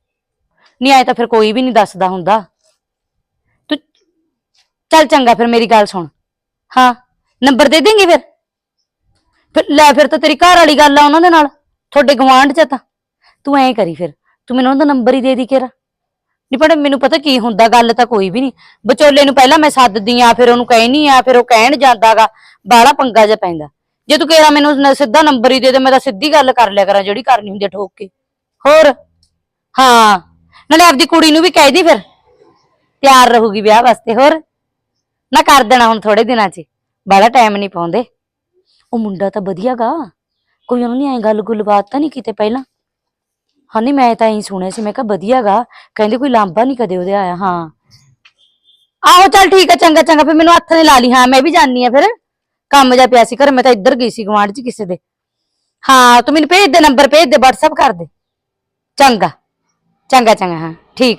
[SPEAKER 5] ਨਹੀਂ ਆਏ ਤਾਂ ਫਿਰ ਕੋਈ ਵੀ ਨਹੀਂ ਦੱਸਦਾ ਹੁੰਦਾ। ਤੂੰ ਚੱਲ ਚੰਗਾ, ਫਿਰ ਮੇਰੀ ਗੱਲ ਸੁਣ। ਹਾਂ ਨੰਬਰ ਦੇ ਦੇਂਗੀ ਫਿਰ ਫਿਰ ਲੈ ਫਿਰ ਤਾਂ ਤੇਰੀ ਘਰ ਵਾਲੀ ਗੱਲ ਆ ਉਹਨਾਂ ਦੇ ਨਾਲ, ਤੁਹਾਡੇ ਗਵਾਂਢ ਚ ਤਾਂ। ਤੂੰ ਐਂ ਕਰੀ ਫਿਰ, ਤੂੰ ਮੈਨੂੰ ਉਹਦਾ ਨੰਬਰ ਹੀ ਦੇ ਦੀ ਕਿਹੜਾ। ਨਹੀਂ ਪਰ ਮੈਨੂੰ ਪਤਾ ਕੀ ਹੁੰਦਾ, ਗੱਲ ਤਾਂ ਕੋਈ ਵੀ ਨਹੀਂ। ਵਿਚੋਲੇ ਨੂੰ ਪਹਿਲਾਂ ਮੈਂ ਸੱਦਦੀ ਆ, ਫਿਰ ਉਹਨੂੰ ਕਹਿਣੀ ਆ, ਫਿਰ ਉਹ ਕਹਿਣ ਜਾਂਦਾਗਾ, ਬਾਹਲਾ ਪੰਗਾ ਜਿਹਾ ਪੈਂਦਾ। ਜੇ ਤੂੰ ਕਿਹਾ ਮੈਨੂੰ ਨ- ਸਿੱਧਾ ਨੰਬਰ ਹੀ ਦੇ ਦੇ, ਮੈਂ ਤਾਂ ਸਿੱਧੀ ਗੱਲ ਕਰ ਲਿਆ ਕਰਾਂ ਜਿਹੜੀ ਕਰਨੀ ਹੁੰਦੀ ਆ ਠੋਕ ਕੇ। ਹੋਰ ਹਾਂ, ਨਾਲੇ ਆਪਦੀ ਕੁੜੀ ਨੂੰ ਵੀ ਕਹਿ ਦੀ ਫਿਰ, ਤਿਆਰ ਰਹੂਗੀ ਵਿਆਹ ਵਾਸਤੇ। ਹੋਰ ਨਾ ਕਰ ਦੇਣਾ ਹੁਣ ਥੋੜੇ ਦਿਨਾਂ ਚ, ਬਾਹਲਾ ਟਾਈਮ ਨਹੀਂ ਪਾਉਂਦੇ। ਉਹ ਮੁੰਡਾ ਤਾਂ ਵਧੀਆ ਗਾ, ਕੋਈ ਉਹਨੂੰ ਨੀ ਐ ਗੱਲ ਗੁੱਲ ਬਾਤ ਤਾਂ ਨਹੀਂ ਕਿਤੇ ਪਹਿਲਾਂ। ਹਾਂ ਨਹੀਂ ਮੈਂ ਤਾਂ ਇਹੀ ਸੁਣਿਆ ਸੀ, ਮੈਂ ਕਿਹਾ ਵਧੀਆ ਗਾ, ਕਹਿੰਦੇ ਕੋਈ ਲਾਂਭਾ ਨਹੀਂ ਕਦੇ ਉਹਦੇ ਆਇਆ। ਹਾਂ ਆਹੋ ਚੱਲ ਠੀਕ ਆ, ਚੰਗਾ ਚੰਗਾ, ਫਿਰ ਮੈਨੂੰ ਹੱਥ ਨੇ ਲਾ ਲਈ। ਹਾਂ ਮੈਂ ਵੀ ਜਾਣੀ ਆ, ਫਿਰ ਕੰਮ ਜਾ ਪਿਆ ਸੀ ਘਰ, ਮੈਂ ਤਾਂ ਇੱਧਰ ਗਈ ਸੀ ਗੁਆਂਢ ਚ ਕਿਸੇ ਦੇ। ਹਾਂ ਤੂੰ ਮੈਨੂੰ ਭੇਜ ਦੇ, ਨੰਬਰ ਭੇਜ ਦੇ, ਵਟਸਐਪ ਕਰ ਦੇ। ਚੰਗਾ ਚੰਗਾ ਚੰਗਾ, ਹਾਂ ਠੀਕ।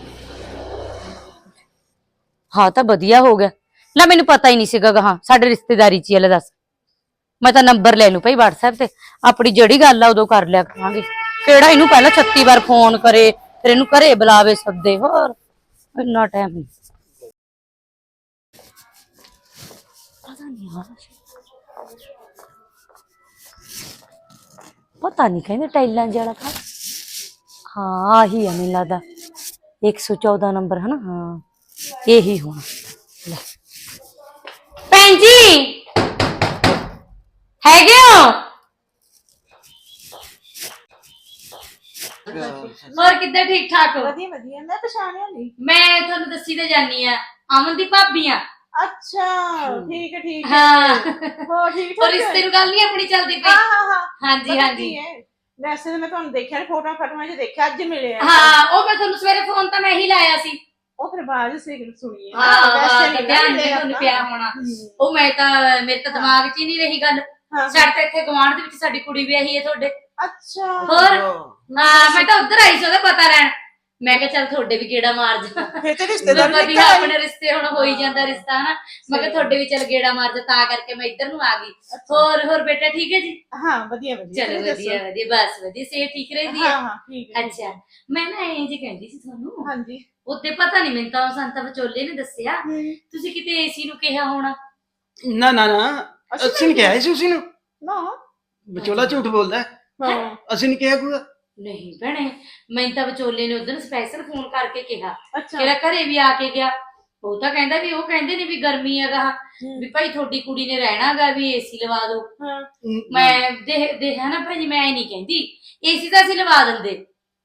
[SPEAKER 5] ਹਾਂ ਤਾਂ ਵਧੀਆ ਹੋ ਗਿਆ, ਲੈ ਮੈਨੂੰ ਪਤਾ ਹੀ ਨਹੀਂ ਸੀਗਾ ਗਾ। ਹਾਂ ਸਾਡੇ ਰਿਸ਼ਤੇਦਾਰੀ ਚ ਹੀ ਆ, ਲੈ ਦੱਸ। ਮੈਂ ਤਾਂ ਨੰਬਰ ਲੈ ਲੂ ਭਾਈ ਵਟਸਐਪ ਤੇ, ਆਪਣੀ ਜਿਹੜੀ ਗੱਲ ਆ ਉਦੋਂ ਕਰ ਲਿਆ ਕਰਾਂਗੇ। ਕਿਹੜਾ ਇਹਨੂੰ ਪਹਿਲਾਂ ਛੱਤੀ ਵਾਰ ਫੋਨ ਕਰੇ, ਫਿਰ ਇਹਨੂੰ ਘਰੇ ਬੁਲਾਵੇ ਸੱਦੇ। ਹੋਰ ਇੰਨਾ ਟਾਈਮ ਨਹੀਂ ਪਤਾ ਨਹੀਂ ਯਾਰ, ਪਤਾ ਨਹੀਂ ਕਹਿੰਦੇ ਟਾਈਲਾਂ ਜਿਹੜਾ ਘਰ। ਹਾਂ ਆਹੀ ਆ ਮੈਨੂੰ ਲੱਗਦਾ, ਇੱਕ ਸੌ ਚੌਦਾਂ ਨੰਬਰ ਹੈ ਨਾ। ਹਾਂ ਇਹੀ ਹੋਣਾ। ਲੈ ਭੈਣ ਜੀ ਹੈਗੇ ਹੋ? ਹੋਰ ਕਿੱਦਾਂ, ਠੀਕ ਠਾਕ ਹੋ?
[SPEAKER 6] ਵਧੀਆ ਵਧੀਆ। ਮੈਂ ਪਛਾਣਿਆ ਨਹੀਂ।
[SPEAKER 5] ਮੈਂ ਤੁਹਾਨੂੰ ਦੱਸੀ ਤੇ ਜਾਨੀ ਆ, ਅਮਨ ਦੀ ਭਾਬੀ ਆ।
[SPEAKER 6] ਅੱਛਾ ਠੀਕ ਹੈ ਠੀਕ ਹੈ।
[SPEAKER 5] ਹਾਂ
[SPEAKER 6] ਹੋਰ ਠੀਕ
[SPEAKER 5] ਔਰ
[SPEAKER 6] ਠਾਕ
[SPEAKER 5] ਰਿਸ਼ਤੇ ਨੂੰ ਗੱਲ ਨਹੀਂ ਆਪਣੀ ਚੱਲਦੀ ਪਈ।
[SPEAKER 6] ਹਾਂ ਹਾਂ ਹਾਂ
[SPEAKER 5] ਹਾਂਜੀ
[SPEAKER 6] ਪਤਾ
[SPEAKER 5] ਹਾਂਜੀ
[SPEAKER 6] ਕੀ ਹੈ, ਵੈਸੇ ਤਾਂ ਮੈਂ ਤੁਹਾਨੂੰ ਦੇਖਿਆ ਫੋਟੋ ਫਟਵਾ ਚ ਦੇਖਿਆ, ਅੱਜ ਮਿਲੇ ਆ।
[SPEAKER 5] ਹਾਂ ਉਹ ਮੈਂ ਤੁਹਾਨੂੰ ਸਵੇਰੇ ਫੋਨ ਤਾਂ ਮੈਂ ਹੀ ਲਾਇਆ ਸੀ।
[SPEAKER 6] ਉਹ ਫਿਰ ਬਾਅਦ ਸੀ ਸੁਣੀ ਹੈ।
[SPEAKER 5] ਹਾਂ
[SPEAKER 6] ਵੈਸੇ
[SPEAKER 5] ਹਾਂ
[SPEAKER 6] ਨਹੀਂ
[SPEAKER 5] ਧਿਆਨ
[SPEAKER 6] ਮਿਲੇ
[SPEAKER 5] ਨਹੀਂ ਤੁਹਾਨੂੰ
[SPEAKER 6] ਆਪਾਂ।
[SPEAKER 5] ਪਿਆ ਹੋਣਾ।
[SPEAKER 6] ਹਮ,
[SPEAKER 5] ਉਹ ਮੈਂ ਤਾਂ ਮੇਰੇ ਤਾਂ ਦਿਮਾਗ 'ਚ ਹੀ ਨਹੀਂ ਰਹੀ ਗੱਲ।
[SPEAKER 6] ਹਾਂ।
[SPEAKER 5] ਸਾਡੇ ਤਾਂ ਇੱਥੇ ਗੁਆਂਢ ਦੇ ਵਿੱਚ ਸਾਡੀ ਕੁੜੀ ਵਿਆਹੀ ਹੈ ਤੁਹਾਡੇ।
[SPEAKER 6] ਅੱਛਾ
[SPEAKER 5] ਹੋਰ ਹਾਂ ਮੈਂ ਤਾਂ ਉੱਧਰ ਆਈ ਸੀ ਉਹਦਾ ਪਤਾ ਲੈਣ। ਮੈਂ ਕਿਹਾ ਚੱਲ ਤੁਹਾਡੇ ਵੀ ਗੇੜਾ ਮਾਰ ਜਾ।
[SPEAKER 6] ਫਿਰ ਤੇ
[SPEAKER 5] ਮੈਂ
[SPEAKER 6] ਰਿਸ਼ਤੇਦਾਰ
[SPEAKER 5] ਵਧੀਆ ਆਪਣੇ ਰਿਸ਼ਤੇ ਹੁਣ ਹੋ ਹੀ ਜਾਂਦਾ ਰਿਸ਼ਤਾ ਹਨਾ। ਮੈਂ ਕਿਹਾ ਤੁਹਾਡੇ ਵੀ ਚੱਲ ਗੇੜਾ ਮਾਰ ਜਾ, ਤਾਂ ਕਰਕੇ ਮੈਂ ਇੱਧਰ ਨੂੰ ਆ ਗਈ। ਹੋਰ ਹੋਰ ਬੇਟਾ ਠੀਕ ਹੈ ਜੀ?
[SPEAKER 6] ਹਾਂ ਵਧੀਆ ਵਧੀਆ।
[SPEAKER 5] ਚਲੋ
[SPEAKER 6] ਤੁਸੀਂ
[SPEAKER 5] ਵਧੀਆ
[SPEAKER 6] ਦੱਸੋ?
[SPEAKER 5] ਵਧੀਆ, ਬਸ ਵਧੀਆ, ਸਿਹਤ ਠੀਕ ਰਹਿੰਦੀ ਹੈ?
[SPEAKER 6] ਹਾਂ ਹਾਂ ਠੀਕ ਹੈ।
[SPEAKER 5] ਅੱਛਾ ਮੈਂ ਨਾ ਇਹ ਜੀ ਕਹਿੰਦੀ ਸੀ ਤੁਹਾਨੂੰ,
[SPEAKER 6] ਹਾਂਜੀ।
[SPEAKER 5] ਉੱਤੇ ਪਤਾ ਨਹੀਂ ਮੈਨੂੰ ਤਾਂ ਸੰਤਾ ਵਿਚੋਲੇ ਨੇ ਦੱਸਿਆ
[SPEAKER 6] ਹਮ,
[SPEAKER 5] ਤੁਸੀਂ ਕਿਤੇ ਏਸੀ ਨੂੰ ਕਿਹਾ ਹੋਣਾ।
[SPEAKER 4] ਨਾ ਨਾ ਨਾ, ਅਸੀਂ ਨਹੀਂ ਕਿਹਾ ਸੀ ਉਸੇ ਨੂੰ।
[SPEAKER 6] ਨਾ
[SPEAKER 4] ਵਿਚੋਲਾ ਝੂਠ ਬੋਲਦਾ ਹੈ।
[SPEAKER 6] ਹਾਂ
[SPEAKER 4] ਅਸੀਂ ਨਹੀਂ ਕਿਹਾ ਕੋਈ।
[SPEAKER 5] ਨਹੀਂ ਭੈਣੇ, ਮੈਨੂੰ ਤਾਂ ਵਿਚੋਲੇ ਨੇ ਉਦੋਂ ਸਪੈਸ਼ਲ ਫੋਨ ਕਰਕੇ ਕਿਹਾ,
[SPEAKER 6] ਅੱਛਾ
[SPEAKER 5] ਕਿਹੜਾ ਘਰੇ ਵੀ ਆ ਕੇ ਗਿਆ। ਉਹ ਤਾਂ ਕਹਿੰਦਾ ਵੀ ਉਹ ਕਹਿੰਦੇ ਨੇ ਵੀ ਗਰਮੀ ਹੈਗਾ,
[SPEAKER 6] ਹਮ,
[SPEAKER 5] ਵੀ ਭਾਈ ਤੁਹਾਡੀ ਕੁੜੀ ਨੇ ਰਹਿਣਾਗਾ, ਵੀ ਏਸੀ ਲਵਾ ਦਿਓ।
[SPEAKER 6] ਹਾਂ
[SPEAKER 5] ਮੈਂ ਦੇਖ ਦੇਖ ਹੈ ਨਾ ਭਾਈ, ਮੈਂ ਨਹੀਂ ਕਹਿੰਦੀ ਏਸੀ ਤਾਂ ਅਸੀਂ ਲਵਾ ਦਿੰਦੇ।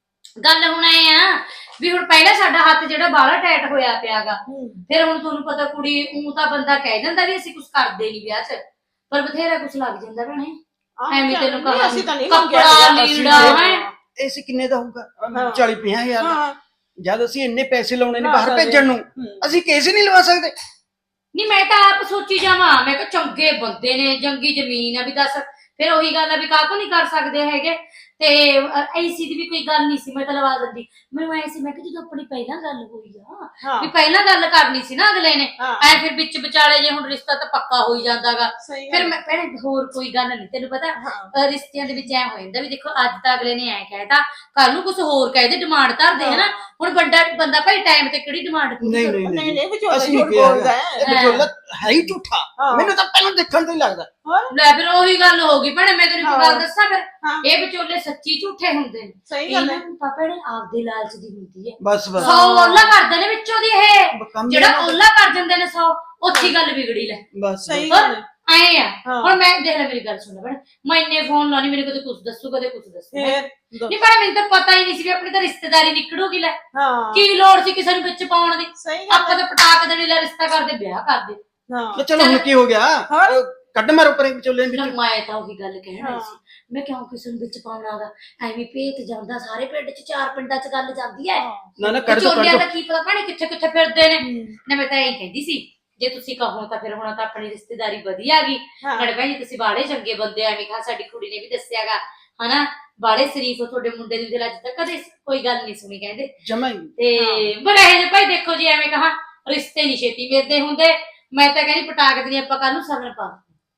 [SPEAKER 5] ਗੱਲ ਹੁਣ ਐ ਆ ਵੀ ਹੁਣ ਪਹਿਲਾਂ ਸਾਡਾ ਹੱਥ ਜਿਹੜਾ ਬਾਹਲਾ ਟਾਈਟ ਹੋਇਆ ਪਿਆਗਾ,
[SPEAKER 6] ਹਮ,
[SPEAKER 5] ਫਿਰ ਹੁਣ ਤੁਹਾਨੂੰ ਪਤਾ ਕੁੜੀ ਉਹ ਤਾਂ ਬੰਦਾ ਕਹਿ ਦਿੰਦਾ ਵੀ ਅਸੀਂ ਕੁਝ ਕਰਦੇ ਨਹੀਂ ਵਿਆਹ 'ਚ, ਪਰ ਬਥੇਰਾ ਕੁਝ ਲੱਗ ਜਾਂਦਾ ਭੈਣੇ।
[SPEAKER 6] ਆਹ,
[SPEAKER 5] ਐਵੇਂ ਤੈਨੂੰ
[SPEAKER 6] ਨਹੀਂ,
[SPEAKER 5] ਕਹਾਂ
[SPEAKER 6] ਅਸੀਂ ਤਾਂ ਨਹੀਂ
[SPEAKER 5] ਕੱਪੜਾ
[SPEAKER 6] ਮੰਗਿਆ।
[SPEAKER 5] ਲੀੜਾ ਹੈ।
[SPEAKER 4] ਏਸੀ ਕਿੰਨੇ ਦਾ ਹੋਊਗਾ?
[SPEAKER 6] ਹਾਂ।
[SPEAKER 4] ਚਾਲੀ ਪੰਜਾਹ ਹਜ਼ਾਰ ਦਾ।
[SPEAKER 6] ਹਾਂ
[SPEAKER 4] ਜਦ ਅਸੀਂ ਇੰਨੇ ਪੈਸੇ ਲਾਉਣੇ ਨੇ
[SPEAKER 6] ਲਾ
[SPEAKER 4] ਬਾਹਰ
[SPEAKER 6] ਸਕਦੇ।
[SPEAKER 4] ਭੇਜਣ ਨੂੰ,
[SPEAKER 6] ਹਮ,
[SPEAKER 4] ਅਸੀਂ ਕੇਸ ਹੀ ਨਹੀਂ ਲਵਾ ਸਕਦੇ।
[SPEAKER 5] ਨਹੀਂ ਮੈਂ ਤਾਂ ਆਪ ਸੋਚੀ ਜਾਵਾਂ, ਮੈਂ ਕਿਹਾ ਚੰਗੇ ਬੰਦੇ ਨੇ, ਜੰਗੀ ਜ਼ਮੀਨ ਆ, ਵੀ ਦੱਸ ਫਿਰ ਉਹੀ ਗੱਲ ਆ ਵੀ ਕਾਹਤੋਂ ਨਹੀਂ ਕਰ ਸਕਦੇ ਹੈਗੇ। ਤੇ ਏਸੀ ਦੀ ਵੀ ਕੋਈ ਗੱਲ ਨਹੀਂ ਸੀ, ਮੈਂ ਤਾਂ ਲਵਾ ਦਿੰਦੀ। ਮੈਨੂੰ ਐ ਸੀ ਮੈਂ ਕਿਹਾ ਜਦੋਂ ਆਪਣੀ ਪਹਿਲਾਂ ਗੱਲ ਹੋਈ ਆ
[SPEAKER 6] ਹਾਂ
[SPEAKER 5] ਵੀ ਪਹਿਲਾਂ ਗੱਲ ਕਰਨੀ ਸੀ ਨਾ ਅਗਲੇ ਨੇ,
[SPEAKER 6] ਹਾਂ
[SPEAKER 5] ਐ ਫਿਰ ਵਿੱਚ ਵਿਚਾਲੇ ਜੇ ਹੁਣ ਰਿਸ਼ਤਾ ਤਾਂ ਪੱਕਾ ਹੋਈ ਜਾਂਦਾਗਾ।
[SPEAKER 6] ਸਹੀ
[SPEAKER 5] ਫਿਰ
[SPEAKER 6] ਗੱਲ।
[SPEAKER 5] ਮੈਂ ਭੈਣੇ ਹੋਰ ਕੋਈ ਗੱਲ ਨਹੀਂ, ਤੈਨੂੰ ਪਤਾ
[SPEAKER 6] ਹਾਂ
[SPEAKER 5] ਅਹ ਰਿਸ਼ਤਿਆਂ ਦੇ ਵਿੱਚ ਐ ਹੋ ਜਾਂਦਾ ਵੀ ਦੇਖੋ ਅੱਜ ਤਾਂ ਅਗਲੇ ਨੇ ਐ ਕਹਿਤਾ, ਕੱਲ ਨੂੰ ਕੁਝ ਹੋਰ ਕਹਿ ਦੇ, ਡਿਮਾਂਡ ਧਰਦੇ ਹਨਾ। ਹੁਣ ਵੱਡਾ ਬੰਦਾ ਭਾਈ ਟਾਈਮ ਤੇ ਕਿਹੜੀ ਡਿਮਾਂਡ ਪੂਰੀ
[SPEAKER 4] ਨਹੀਂ
[SPEAKER 5] ਕਰੂਗਾ?
[SPEAKER 4] ਨਹੀਂ
[SPEAKER 6] ਨਹੀਂ
[SPEAKER 4] ਨਹੀਂ,
[SPEAKER 6] ਨਹੀਂ ਵਿਚੋਲਾ
[SPEAKER 4] ਅਸੀਂ ਨਹੀਂ
[SPEAKER 6] ਝੂਠ
[SPEAKER 4] ਕਿਹਾ
[SPEAKER 6] ਬੋਲਦਾ
[SPEAKER 4] ਹੈਗਾ।
[SPEAKER 6] ਹੈ।
[SPEAKER 4] ਇਹ ਵਿਚੋਲਾ ਹੈ ਹੀ ਝੂਠਾ।
[SPEAKER 6] ਹਾਂ।
[SPEAKER 4] ਮੈਨੂੰ ਤਾਂ ਪਹਿਲਾਂ ਦੇਖਣ ਤੋਂ ਹੀ ਲੱਗਦਾ।
[SPEAKER 6] ਹੋਰ
[SPEAKER 5] ਲੈ ਫਿਰ ਉਹੀ ਗੱਲ ਹੋ ਗਈ ਭੈਣੇ, ਮੈਂ ਤੈਨੂੰ ਇੱਕ ਗੱਲ
[SPEAKER 6] ਹਾਂ।
[SPEAKER 5] ਦੱਸਾਂ ਫਿਰ
[SPEAKER 6] ਹਾਂ
[SPEAKER 5] ਇਹ ਵਿਚੋਲੇ ਸੱਚੀ ਝੂਠੇ ਹੁੰਦੇ ਨੇ।
[SPEAKER 6] ਸਹੀ ਗੱਲ
[SPEAKER 5] ਇਹਨਾਂ
[SPEAKER 6] ਹੈ।
[SPEAKER 5] ਨੂੰ ਤਾਂ ਭੈਣੇ ਆਪਦੇ ਲਾਲਚ ਦੀ ਹੁੰਦੀ ਹੈ।
[SPEAKER 4] ਬਸ ਬਸ
[SPEAKER 5] ਸੌ ਓਲਾ ਕਰਦੇ ਨੇ ਵਿੱਚੋਂ ਦੀ ਇਹ,
[SPEAKER 4] ਕੰਮ ਹੀ
[SPEAKER 5] ਜਿਹੜਾ
[SPEAKER 4] ਇਹਨਾਂ ਦਾ।
[SPEAKER 5] ਓਲਾ ਕਰ ਜਾਂਦੇ ਨੇ ਸੌ, ਉੱਚੀ ਗੱਲ ਵਿਗੜੀ ਲੈ।
[SPEAKER 4] ਬਸ
[SPEAKER 6] ਸਹੀ
[SPEAKER 5] ਹੋਰ
[SPEAKER 6] ਗੱਲ ਹੈ।
[SPEAKER 5] ਆਏ ਆ
[SPEAKER 6] ਹਾਂ।
[SPEAKER 5] ਹੁਣ ਮੈਂ ਦੇਖ ਲੈ ਮੇਰੀ ਗੱਲ ਸੁਣ ਭੈਣੇ, ਮੈਂ ਇੰਨੇ ਫੋਨ ਲਾਉਣੀ, ਮੈਨੂੰ ਕਦੇ ਕੁਝ ਦੱਸੂ ਕਦੇ ਕੁਝ ਦੱਸੂ।
[SPEAKER 6] ਫਿਰ
[SPEAKER 5] ਨਹੀਂ ਪਰ ਮੈਨੂੰ ਤਾਂ ਪਤਾ ਹੀ ਨਹੀਂ ਸੀ ਵੀ ਆਪਣੀ ਤਾਂ ਰਿਸ਼ਤੇਦਾਰੀ ਨਿਕਲੂਗੀ। ਲੈ
[SPEAKER 6] ਹਾਂ
[SPEAKER 5] ਕੀ ਲੋੜ ਸੀ ਕਿਸੇ ਨੂੰ ਵਿੱਚ ਪਾਉਣ ਦੀ?
[SPEAKER 6] ਸਹੀ ਗੱਲ
[SPEAKER 5] ਆਪਾਂ ਤਾਂ ਪਟਾਕ ਦੇਣੀ, ਲੈ ਰਿਸ਼ਤਾ ਕਰਦੇ ਵਿਆਹ ਕਰਦੇ।
[SPEAKER 6] ਹਾਂ
[SPEAKER 4] ਤੇ ਚਲੋ ਹੁਣ ਕੀ ਹੋ ਗਿਆ?
[SPEAKER 6] ਹੋਰ?
[SPEAKER 4] ਉਹ ਕੱਢ ਮਾਰੋ ਪਰੇ ਵਿਚੋਲੇ
[SPEAKER 5] ਨਾ
[SPEAKER 4] ਵਿੱਚ।
[SPEAKER 5] ਮੈਂ ਤਾਂ ਉਹੀ ਗੱਲ ਕਹਿਣ ਆਈ
[SPEAKER 6] ਹਾਂ।
[SPEAKER 5] ਸੀ, ਮੈਂ ਕਿਉਂ ਕਿਸੇ ਨੂੰ ਵਿੱਚ ਪਾਉਣਾ ਗਾ, ਐਵੇਂ ਭੇਤ ਜਾਂਦਾ ਸਾਰੇ ਪਿੰਡ ਚ, ਚਾਰ ਪਿੰਡਾਂ ਚ ਗੱਲ ਜਾਂਦੀ ਹੈ।
[SPEAKER 4] ਨਾ ਨਾ ਕੱਢ ਦੋ ਕੱਢ
[SPEAKER 5] ਵਿਚੋਲਿਆਂ
[SPEAKER 4] ਦੋ।
[SPEAKER 5] ਦਾ ਕੀ ਪਤਾ ਭਾਣੇ ਕਿੱਥੇ ਕਿੱਥੇ ਫਿਰਦੇ ਨੇ।
[SPEAKER 6] ਹਮ,
[SPEAKER 5] ਨਾ ਮੈਂ ਤਾਂ ਇਹੀ ਕਹਿੰਦੀ ਸੀ ਜੇ ਤੁਸੀਂ ਕਹੋ ਤਾਂ ਫਿਰ ਹੁਣ ਤਾਂ ਆਪਣੀ ਰਿਸ਼ਤੇਦਾਰੀ ਵਧੀਆ ਆ ਗਈ।
[SPEAKER 6] ਹਾਂ
[SPEAKER 5] ਨਾਲੇ ਭੈਣ ਜੀ ਤੁਸੀਂ ਬਾੜੇ ਚੰਗੇ ਬੰਦੇ, ਐਵੇਂ ਕਹਾ ਸਾਡੀ ਕੁੜੀ ਨੇ ਵੀ ਦੱਸਿਆਗਾ ਹਨਾ, ਬਾੜੇ ਸ਼ਰੀਫ ਤੁਹਾਡੇ ਮੁੰਡੇ ਦੀ ਦਿਲ ਅੱਜ ਤੱਕ ਕਦੇ ਕੋਈ ਗੱਲ ਨਹੀਂ ਸੁਣੀ ਕਹਿੰਦੇ।
[SPEAKER 4] ਜਮਾ ਹੀ।
[SPEAKER 5] ਤੇ ਪਰ ਇਹ ਜੇ ਭਾਈ ਦੇਖੋ ਜੀ, ਐਵੇਂ ਕਹਾ ਰਿਸ਼ਤੇ ਨਹੀਂ ਛੇਤੀ ਮਿਲਦੇ ਹੁੰਦੇ। ਮੈਂ ਤਾਂ ਕਹਿੰਦੀ ਪਟਾਕ ਦੀ ਆਪਾਂ ਕੱਲ ਨੂੰ ਸਗਨ ਪਾ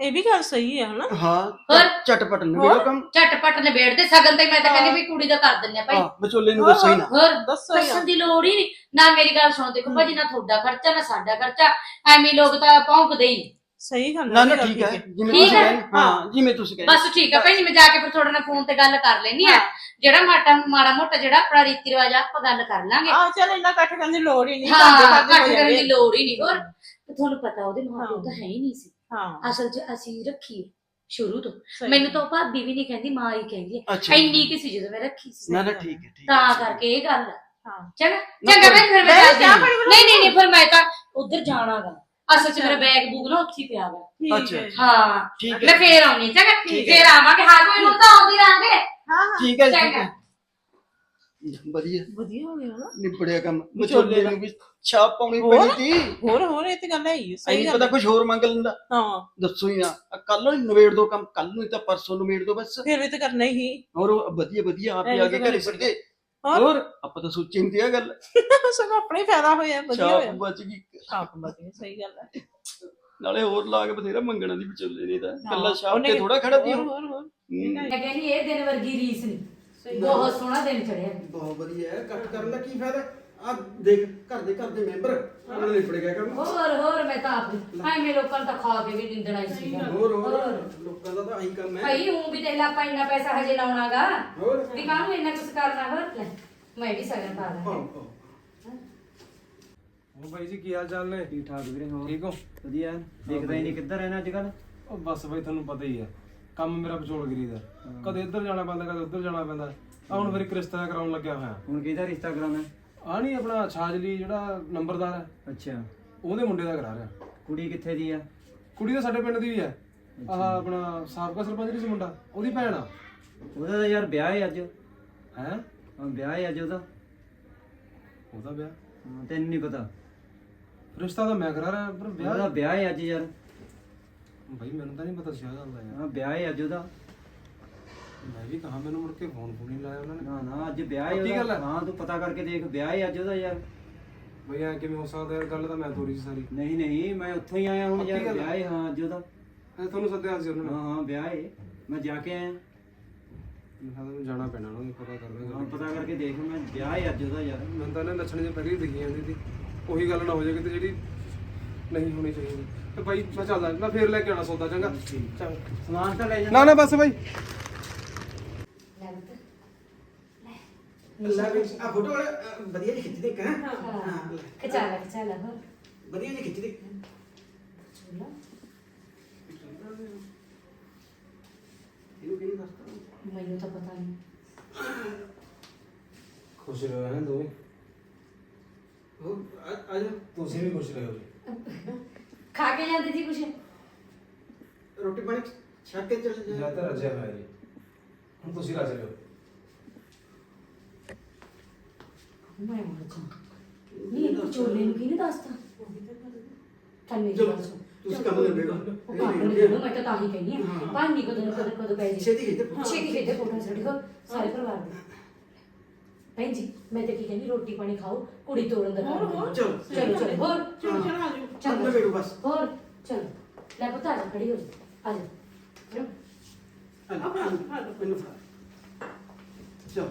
[SPEAKER 6] ਇਹ ਵੀ ਗੱਲ ਸਹੀ ਹੈ ਹਨਾ।
[SPEAKER 4] ਹਾਂ
[SPEAKER 5] ਹੋਰ?
[SPEAKER 4] ਝਟਪਟ ਨਿਬੇੜੋ ਕੰਮ।
[SPEAKER 5] ਝਟਪਟ ਨਿਬੇੜਦੇ ਸਗਨ ਤੇ ਮੈਂ ਤਾਂ ਕਹਿੰਦੀ ਵੀ ਕੁੜੀ ਦਾ ਕਰ ਦਿੰਨੇ ਆ ਭਾਈ।
[SPEAKER 4] ਹਾਂ ਵਿਚੋਲੇ ਨੂੰ ਦੱਸੋ ਹੀ ਨਾ।
[SPEAKER 5] ਹੋਰ
[SPEAKER 6] ਦੱਸੋ ਯਾਰ।
[SPEAKER 5] ਦੱਸਣ ਦੀ ਲੋੜ ਹੀ ਨਹੀਂ ਨਾ। ਮੇਰੀ ਗੱਲ ਸੁਣੋ, ਦੇਖੋ ਭਾਜੀ ਨਾ ਤੁਹਾਡਾ ਖਰਚਾ ਨਾ ਸਾਡਾ ਖਰਚਾ, ਐਵੇਂ ਲੋਕ ਤਾਂ ਭੌਂਕਦੇ ਹੀ ਨੀ।
[SPEAKER 6] ਸਹੀ ਗੱਲ
[SPEAKER 4] ਨਾ ਨਾ
[SPEAKER 6] ਗੱਲ
[SPEAKER 4] ਠੀਕ ਹੈ ਜਿਵੇਂ
[SPEAKER 5] ਠੀਕ
[SPEAKER 4] ਤੁਸੀਂ
[SPEAKER 5] ਹੈ?
[SPEAKER 4] ਕਹਿੰਦੇ ਹਾਂ ਜਿਵੇਂ ਤੁਸੀਂ ਕਹਿੰਦੇ
[SPEAKER 5] ਬਸ ਠੀਕ ਆ ਭੈਣ, ਮੈਂ ਜਾ ਕੇ ਫਿਰ ਤੁਹਾਡੇ ਨਾਲ ਫੋਨ ਤੇ ਗੱਲ ਕਰ ਲੈਣੀ ਆ। ਜਿਹੜਾ ਮਾਟਾ ਮਾੜਾ ਮੋਟਾ ਜਿਹੜਾ ਆਪਣਾ ਰੀਤੀ ਰਿਵਾਜ ਆ ਆਪਾਂ ਗੱਲ ਕਰ ਲਾਂਗੇ।
[SPEAKER 6] ਆ ਚੱਲ ਇੰਨਾ ਇਕੱਠ ਕਰਨ ਦੀ ਲੋੜ ਹੀ ਨਹੀਂ।
[SPEAKER 5] ਹਾਂ,
[SPEAKER 6] ਘਰ
[SPEAKER 5] ਇਕੱਠ
[SPEAKER 6] ਦੇ
[SPEAKER 5] ਕਰਨ ਦੀ
[SPEAKER 6] ਘਰ
[SPEAKER 5] ਲੋੜ ਹੀ ਨਹੀਂ। ਹੋਰ ਤੇ ਤੁਹਾਨੂੰ ਪਤਾ ਉਹਦੇ ਮਾਂ ਪਿਓ ਤਾਂ ਹੈ ਹੀ ਨਹੀਂ ਸੀ
[SPEAKER 6] ਹਾਂ
[SPEAKER 5] ਅਸਲ 'ਚ, ਅਸੀਂ ਰੱਖੀ ਸ਼ੁਰੂ ਤੋਂ।
[SPEAKER 6] ਸਹੀ।
[SPEAKER 5] ਮੈਨੂੰ ਤਾਂ ਉਹ ਭਾਬੀ ਵੀ ਨਹੀਂ ਕਹਿੰਦੀ, ਮਾਂ ਹੀ ਕਹਿੰਦੀ ਹੈ।
[SPEAKER 4] ਅੱਛਾ।
[SPEAKER 5] ਇੰਨੀ ਕਿ ਸੀ ਜਦੋਂ ਮੈਂ ਰੱਖੀ ਸੀ,
[SPEAKER 4] ਨਾ ਨਾ ਠੀਕ ਹੈ ਠੀਕ
[SPEAKER 5] ਤਾਂ
[SPEAKER 4] ਹੈ
[SPEAKER 5] ਕਰਕੇ ਇਹ ਗੱਲ ਆ।
[SPEAKER 6] ਹਾਂ
[SPEAKER 5] ਚੰਗਾ ਚੰਗਾ ਭੈਣ, ਫਿਰ ਮੈਂ
[SPEAKER 6] ਮੈਂ
[SPEAKER 5] ਚੱਲਦੀ
[SPEAKER 6] ਚਾਹ
[SPEAKER 5] ਹਾਂ।
[SPEAKER 6] ਪਾਣੀ ਬਣਾ
[SPEAKER 5] ਨਹੀਂ ਨਹੀਂ ਨਹੀਂ, ਫਿਰ ਮੈਂ ਤਾਂ ਉਧਰ ਜਾਣਾਗਾ। ਅਸਲ 'ਚ ਮੇਰਾ ਬੈਗ ਬੂਗ ਨਾ ਉੱਥੇ ਹੀ ਪਿਆ ਵਾ।
[SPEAKER 6] ਠੀਕ
[SPEAKER 4] ਅੱਛਾ।
[SPEAKER 6] ਹੈ।
[SPEAKER 5] ਹਾਂ
[SPEAKER 4] ਠੀਕ
[SPEAKER 5] ਮੈਂ
[SPEAKER 4] ਹੈ
[SPEAKER 5] ਫੇਰ ਆਉਣੀ ਚੰਗਾ,
[SPEAKER 4] ਠੀਕ ਹੈ।
[SPEAKER 5] ਫੇਰ ਆਵਾਂਗੇ। ਹਾਂ ਕੋਈ ਨੂੰ ਤਾਂ ਆਉਂਦੀ ਰਾਂਗੇ।
[SPEAKER 6] ਹਾਂ ਹਾਂ
[SPEAKER 4] ਠੀਕ ਹੈ ਜੀ, ਠੀਕ
[SPEAKER 5] ਚੰਗਾ।
[SPEAKER 4] ਹੈ ਵਧੀਆ
[SPEAKER 6] ਵਧੀਆ ਹੋ ਗਿਆ ਨਾ।
[SPEAKER 4] ਨਿਬੜਿਆ ਕੰਮ।
[SPEAKER 6] ਵਿਚੋਲੇ
[SPEAKER 4] ਵਿਚੋਲੇ
[SPEAKER 6] ਦਾ।
[SPEAKER 4] ਨੂੰ ਵੀ ਛਾਪ ਪਾਉਣੀ
[SPEAKER 6] ਹੋਰ?
[SPEAKER 4] ਪਈ ਸੀ।
[SPEAKER 6] ਹੋਰ ਹੋਰ ਇਹ ਤੇ ਗੱਲ ਹੈ ਹੀ ਸਹੀ
[SPEAKER 4] ਐਨੀ
[SPEAKER 6] ਗੱਲ
[SPEAKER 4] ਪਤਾ
[SPEAKER 6] ਹੈ।
[SPEAKER 4] ਕੁਝ ਹੋਰ ਮੰਗ ਲੈਂਦਾ।
[SPEAKER 6] ਹਾਂ
[SPEAKER 4] ਦੱਸੋ ਹੀ ਨਾ। ਕੱਲ ਨੂੰ ਨਿਬੇੜ ਦੋ ਕੰਮ, ਕੱਲ ਨੂੰ ਹੀ ਤਾਂ ਪਰਸੋਂ ਨਿਬੇੜ ਦੋ ਬਸ।
[SPEAKER 6] ਫਿਰ ਵੀ ਤੇ ਕਰਨਾ ਹੀ।
[SPEAKER 4] ਹੋਰ ਉਹ ਵਧੀਆ ਵਧੀਆ ਆਪ ਹੀ
[SPEAKER 6] ਐਨੀ
[SPEAKER 4] ਆ ਕੇ
[SPEAKER 6] ਤਾਂ ਗੱਲ
[SPEAKER 4] ਘਰੇ ਸਿੱਧੇ।
[SPEAKER 6] ਹੋਰ?
[SPEAKER 4] ਹੋਰ ਆਪਾਂ ਤਾਂ ਸੋਚੀ ਨਹੀਂ ਇਹ ਗੱਲ।
[SPEAKER 6] ਸਗੋਂ ਆਪਣਾ ਹੀ ਫਾਇਦਾ ਹੋਇਆ। ਵਧੀਆ
[SPEAKER 4] ਛਾਪ
[SPEAKER 6] ਹੋਇਆ।
[SPEAKER 4] ਬਚ ਗਈ।
[SPEAKER 6] ਛਾਪ ਵਧੀਆ ਸਹੀ ਗੱਲ ਹੈ।
[SPEAKER 4] ਨਾਲੇ ਹੋਰ ਲਾ ਕੇ ਬਥੇਰਾ ਮੰਗਣਾ ਦੀ ਵਿਚੋਲੇ ਨੇ ਤਾਂ ਕੱਲਾ
[SPEAKER 6] ਹਾਂ,
[SPEAKER 4] ਛਾਪ
[SPEAKER 6] ਉਹਨੇ-
[SPEAKER 4] ਤੇ ਥੋੜਾ ਖੜਾ ਤੀ
[SPEAKER 6] ਹੋਰ
[SPEAKER 4] ਉਹ।
[SPEAKER 6] ਹੋਰ ਹੋਰ
[SPEAKER 4] ਹੂੰ।
[SPEAKER 5] ਮੈਂ ਕਹਿੰਦੀ ਇਹ ਦਿਨ ਵਰਗੀ ਰੀਸ ਨਹੀਂ। ਬਹੁਤ ਸੋਹਣਾ ਦਿਨ ਚੜਿਆ।
[SPEAKER 4] ਬਹੁਤ ਵਧੀਆ ਹੈ। ਕੱਟ ਕਰਨ ਦਾ ਕੀ ਫਾਇਦਾ। ਆ ਦੇਖ ਘਰ ਦੇ ਘਰ ਦੇ ਮੈਂਬਰ ਉਹਨਾਂ ਨੇ ਨਿਬੜ ਗਿਆ ਕੰਮ।
[SPEAKER 5] ਹੋਰ ਹੋਰ ਮੈਂ ਤਾਂ ਆਪ ਐਵੇਂ ਲੋਕਾਂ ਨੂੰ ਤਾਂ ਖਾ ਕੇ ਵੀ ਨਿੰਦਣਾ ਹੀ ਸੀ।
[SPEAKER 4] ਹੋਰ ਹੋਰ ਲੋਕਾਂ ਦਾ ਤਾਂ ਆਹੀ ਕੰਮ ਹੈ।
[SPEAKER 5] ਭਾਈ ਹੂੰ ਵੀ ਤੇ ਆਪਾਂ ਇੰਨਾ ਪੈਸਾ ਹਜੇ ਲਾਉਣਾਗਾ
[SPEAKER 4] ਹੋਰ
[SPEAKER 5] ਵੀ ਕਾਹਨੂੰ ਇੰਨਾ ਕੁਛ ਕਰਨਾ। ਹੋਰ ਲੈ ਮੈਂ ਵੀ ਸਗਨ ਪਾ ਲਾਂ।
[SPEAKER 4] ਹਾਂ ਹਾਂ
[SPEAKER 1] ਉਹ ਬਾਈ ਜੀ ਕੀ ਹਾਲ ਚਾਲ ਨੇ?
[SPEAKER 7] ਠੀਕ ਠਾਕ ਵੀਰੇ। ਹੋਰ
[SPEAKER 1] ਠੀਕ ਹੋ?
[SPEAKER 7] ਵਧੀਆ। ਦੇਖਦਾ ਹੀ ਨਹੀਂ ਕਿੱਧਰ ਰਹਿਣਾ ਅੱਜ ਕੱਲ।
[SPEAKER 1] ਉਹ ਬਸ ਬਾਈ ਤੁਹਾਨੂੰ ਪਤਾ ਹੀ ਹੈ, ਕੰਮ ਮੇਰਾ ਵਿਚੋਲਗਿਰੀ ਦਾ। ਕਦੇ ਇੱਧਰ ਜਾਣਾ ਪੈਂਦਾ, ਕਦੇ ਉੱਧਰ ਜਾਣਾ ਪੈਂਦਾ। ਆ ਹੁਣ ਫਿਰ ਇੱਕ ਰਿਸ਼ਤਾ ਕਰਾਉਣ ਲੱਗਿਆ ਹੋਇਆ।
[SPEAKER 7] ਹੁਣ ਕਿਹਦਾ ਰਿਸ਼ਤਾ ਕਰਾਉਣਾ?
[SPEAKER 1] ਆ ਨਹੀਂ ਆਪਣਾ ਛਾਜਲੀ ਜਿਹੜਾ ਨੰਬਰਦਾਰ ਹੈ,
[SPEAKER 7] ਅੱਛਾ।
[SPEAKER 1] ਉਹਦੇ ਮੁੰਡੇ ਦਾ ਕਰਾ ਰਿਹਾ।
[SPEAKER 7] ਕੁੜੀ ਕਿੱਥੇ ਦੀ ਆ?
[SPEAKER 1] ਕੁੜੀ ਤਾਂ ਸਾਡੇ ਪਿੰਡ ਦੀ ਹੀ ਹੈ। ਆਹ ਆਪਣਾ ਸਾਬਕਾ ਸਰਪੰਚ ਨਹੀਂ ਸੀ ਮੁੰਡਾ, ਉਹਦੀ ਭੈਣ ਆ।
[SPEAKER 7] ਉਹਦਾ ਤਾਂ ਯਾਰ ਵਿਆਹ ਹੈ ਅੱਜ।
[SPEAKER 1] ਹੈ
[SPEAKER 7] ਹਾਂ ਵਿਆਹ ਹੈ ਅੱਜ ਉਹਦਾ।
[SPEAKER 1] ਉਹਦਾ ਵਿਆਹ?
[SPEAKER 7] ਹਾਂ ਤੈਨੂੰ ਨਹੀਂ ਪਤਾ?
[SPEAKER 1] ਰਿਸ਼ਤਾ ਤਾਂ ਮੈਂ ਕਰਾ ਰਿਹਾ, ਪਰ
[SPEAKER 7] ਉਹਦਾ
[SPEAKER 1] ਵਿਆਹ
[SPEAKER 7] ਵਿਆਹ ਹੈ ਅੱਜ ਯਾਰ।
[SPEAKER 1] ਬਾਈ ਮੈਨੂੰ ਤਾਂ ਨਹੀਂ ਪਤਾ ਸੀ ਆ ਗੱਲ ਦਾ ਯਾਰ।
[SPEAKER 7] ਹਾਂ ਵਿਆਹ ਹੈ ਅੱਜ ਉਹਦਾ।
[SPEAKER 1] ਮੈਂ ਵੀ ਕਹਾ, ਮੈਨੂੰ ਮੁੜ ਕੇ ਫੋਨ ਫੋਨ ਨਹੀਂ ਲਾਇਆ ਉਹਨਾਂ ਨੇ।
[SPEAKER 7] ਨਾ ਨਾ ਅੱਜ ਵਿਆਹ ਹੈ
[SPEAKER 1] ਪੱਕੀ ਗੱਲ
[SPEAKER 7] ਉਹਦਾ।
[SPEAKER 1] ਹੈ?
[SPEAKER 7] ਹਾਂ ਤੂੰ ਪਤਾ ਕਰਕੇ ਦੇਖ, ਵਿਆਹ ਹੈ ਅੱਜ ਉਹਦਾ ਯਾਰ।
[SPEAKER 1] ਬਈ ਐ ਕਿਵੇਂ ਹੋ ਸਕਦਾ ਯਾਰ? ਗੱਲ ਤਾਂ ਮੈਂ ਤੋਰੀ ਸੀ ਸਾਰੀ।
[SPEAKER 7] ਨਹੀਂ ਨਹੀਂ ਮੈਂ ਉੱਥੋਂ ਹੀ ਆਇਆ ਹੁਣ
[SPEAKER 1] ਪੱਕੀ
[SPEAKER 7] ਯਾਰ।
[SPEAKER 1] ਗੱਲ ਹੈ?
[SPEAKER 7] ਵਿਆਹ ਹੈ ਹਾਂ ਅੱਜ ਉਹਦਾ।
[SPEAKER 1] ਐ ਤੁਹਾਨੂੰ ਸੱਦਿਆ ਸੀ ਉਹਨਾਂ ਨੇ?
[SPEAKER 7] ਹਾਂ ਹਾਂ ਵਿਆਹ ਹੈ। ਮੈਂ ਜਾ ਕੇ ਆਇਆ।
[SPEAKER 1] ਮੈਂ ਕਿਹਾ ਤੁਹਾਨੂੰ ਜਾਣਾ ਪੈਣਾ ਉਹਨਾਂ ਨੂੰ, ਪਤਾ ਕਰ
[SPEAKER 7] ਹਾਂ
[SPEAKER 1] ਦਾਂਗੇ।
[SPEAKER 7] ਪਤਾ ਕਰਕੇ ਦੇਖ। ਮੈਂ ਵਿਆਹ ਹੈ ਅੱਜ ਉਹਦਾ ਯਾਰ।
[SPEAKER 1] ਮੈਨੂੰ ਤਾਂ ਇਹਨਾਂ ਲੱਛਣ ਜੇ ਪਹਿਲੀ ਦਿਖੀ ਜਾਂਦੀ ਸੀ। ਉਹੀ ਗੱਲ ਨਾ ਹੋ ਜਾਏ ਕਿਤੇ ਜਿਹੜੀ ਨਹੀਂ ਹੋਣੀ ਚਾਹੀਦੀ। ਤੇ ਬਾਈ ਮੈਂ ਚੱਲਦਾ, ਮੈਂ ਫੇਰ ਲੈ ਕੇ ਆਉਣਾ ਸੌਦਾ। ਚੰਗਾ ਚੰਗਾ।
[SPEAKER 7] ਸਮਾਨ ਤਾਂ ਲੈ ਜਾ।
[SPEAKER 1] ਨਾ ਨਾ ਬਸ ਬਾਈ।
[SPEAKER 4] ਲੈ ਵੀ ਆ ਫੋਟੋ ਵਾਲੇ ਅ, ਵਧੀਆ ਜਿਹੀ ਖਿੱਚ ਦੇ ਇੱਕ ਹੈ। ਹਾਂ ਲੈ।
[SPEAKER 5] ਖਿਚਾ ਲੈ ਖਿਚਾ ਲੈ। ਹੋਰ
[SPEAKER 4] ਵਧੀਆ ਜਿਹੀ ਖਿੱਚ ਦੇ। ਇਹਨੂੰ ਕਿਹਨੇ ਦੱਸਤਾ?
[SPEAKER 5] ਮੈਨੂੰ ਤਾਂ ਪਤਾ ਨਹੀਂ।
[SPEAKER 1] ਖੁਸ਼ ਰਹੋ ਹੈ ਦੋਵੇਂ।
[SPEAKER 4] ਉਹ ਆ ਜਾ
[SPEAKER 1] ਤੁਸੀਂ ਵੀ ਖੁਸ਼ ਰਹੋ ਜੀ।
[SPEAKER 5] ਖਾ ਕੇ ਜਾਂਦੀ ਸੀ ਕੁਛ?
[SPEAKER 4] ਰੋਟੀ ਪਾਣੀ ਛੱਕ ਕੇ ਚੱਲ ਜਾ।
[SPEAKER 1] ਜਾਂ ਤਾਂ ਰਜਿਆ ਹੋਇਆ ਜੀ, ਹੁਣ ਤੁਸੀਂ ਰਜ ਲਿਓ।
[SPEAKER 5] ਮੈਂ ਮਰ ਜਾ। ਨਹੀਂ ਇਹ ਵਿਚੋਲੇ ਨੂੰ ਕਿਹਨੇ ਦੱਸਤਾ? ਕੰਨੇ
[SPEAKER 4] ਚਲੋ
[SPEAKER 5] ਦੱਸੋ।
[SPEAKER 4] ਤੁਸੀਂ ਕੰਮ ਨਿਬੇੜੋ।
[SPEAKER 5] ਉਹ ਕੰਮ ਨਿਬੇੜੋ, ਮੈਂ ਤਾਂ ਤਾਂ ਹੀ ਕਹਿੰਦੀ ਆ। ਭਾਂਡੀ ਕਦੋਂ ਨੂੰ ਕਦੋਂ ਕਦੋਂ ਪੈ ਜੀ।
[SPEAKER 4] ਛੇਤੀ ਖਿੱਚ ਦੇ।
[SPEAKER 5] ਛੇਤੀ ਖੇਡੇ ਫੋਟੋ ਸਾਡੇ ਕੋਲ ਸਾਰੇ ਪਰਿਵਾਰ ਦੇ। ਭੈਣ ਜੀ ਮੈਂ ਤਾਂ ਕੀ ਕਹਿੰਦੀ, ਰੋਟੀ ਪਾਣੀ ਖਾਓ, ਕੁੜੀ ਤੋੜਨ ਦਾ ਕੰਮ ਕਰੋ।
[SPEAKER 4] ਚਲੋ
[SPEAKER 5] ਚਲੋ ਚਲੋ। ਹੋਰ
[SPEAKER 6] ਚਲੋ ਚਲੋ ਆਜੋ।
[SPEAKER 4] ਚੱਲ ਨਿਬੇੜੋ ਬਸ।
[SPEAKER 5] ਹੋਰ ਚਲੋ। ਲੈ ਪੁੱਤ ਆ ਜਾ, ਖੜੀ ਹੋ ਜਾ। ਆ ਜਾ।
[SPEAKER 4] ਆ ਜਾ, ਆ ਜਾ, ਮੈਨੂੰ ਫੜਾ। ਚਲ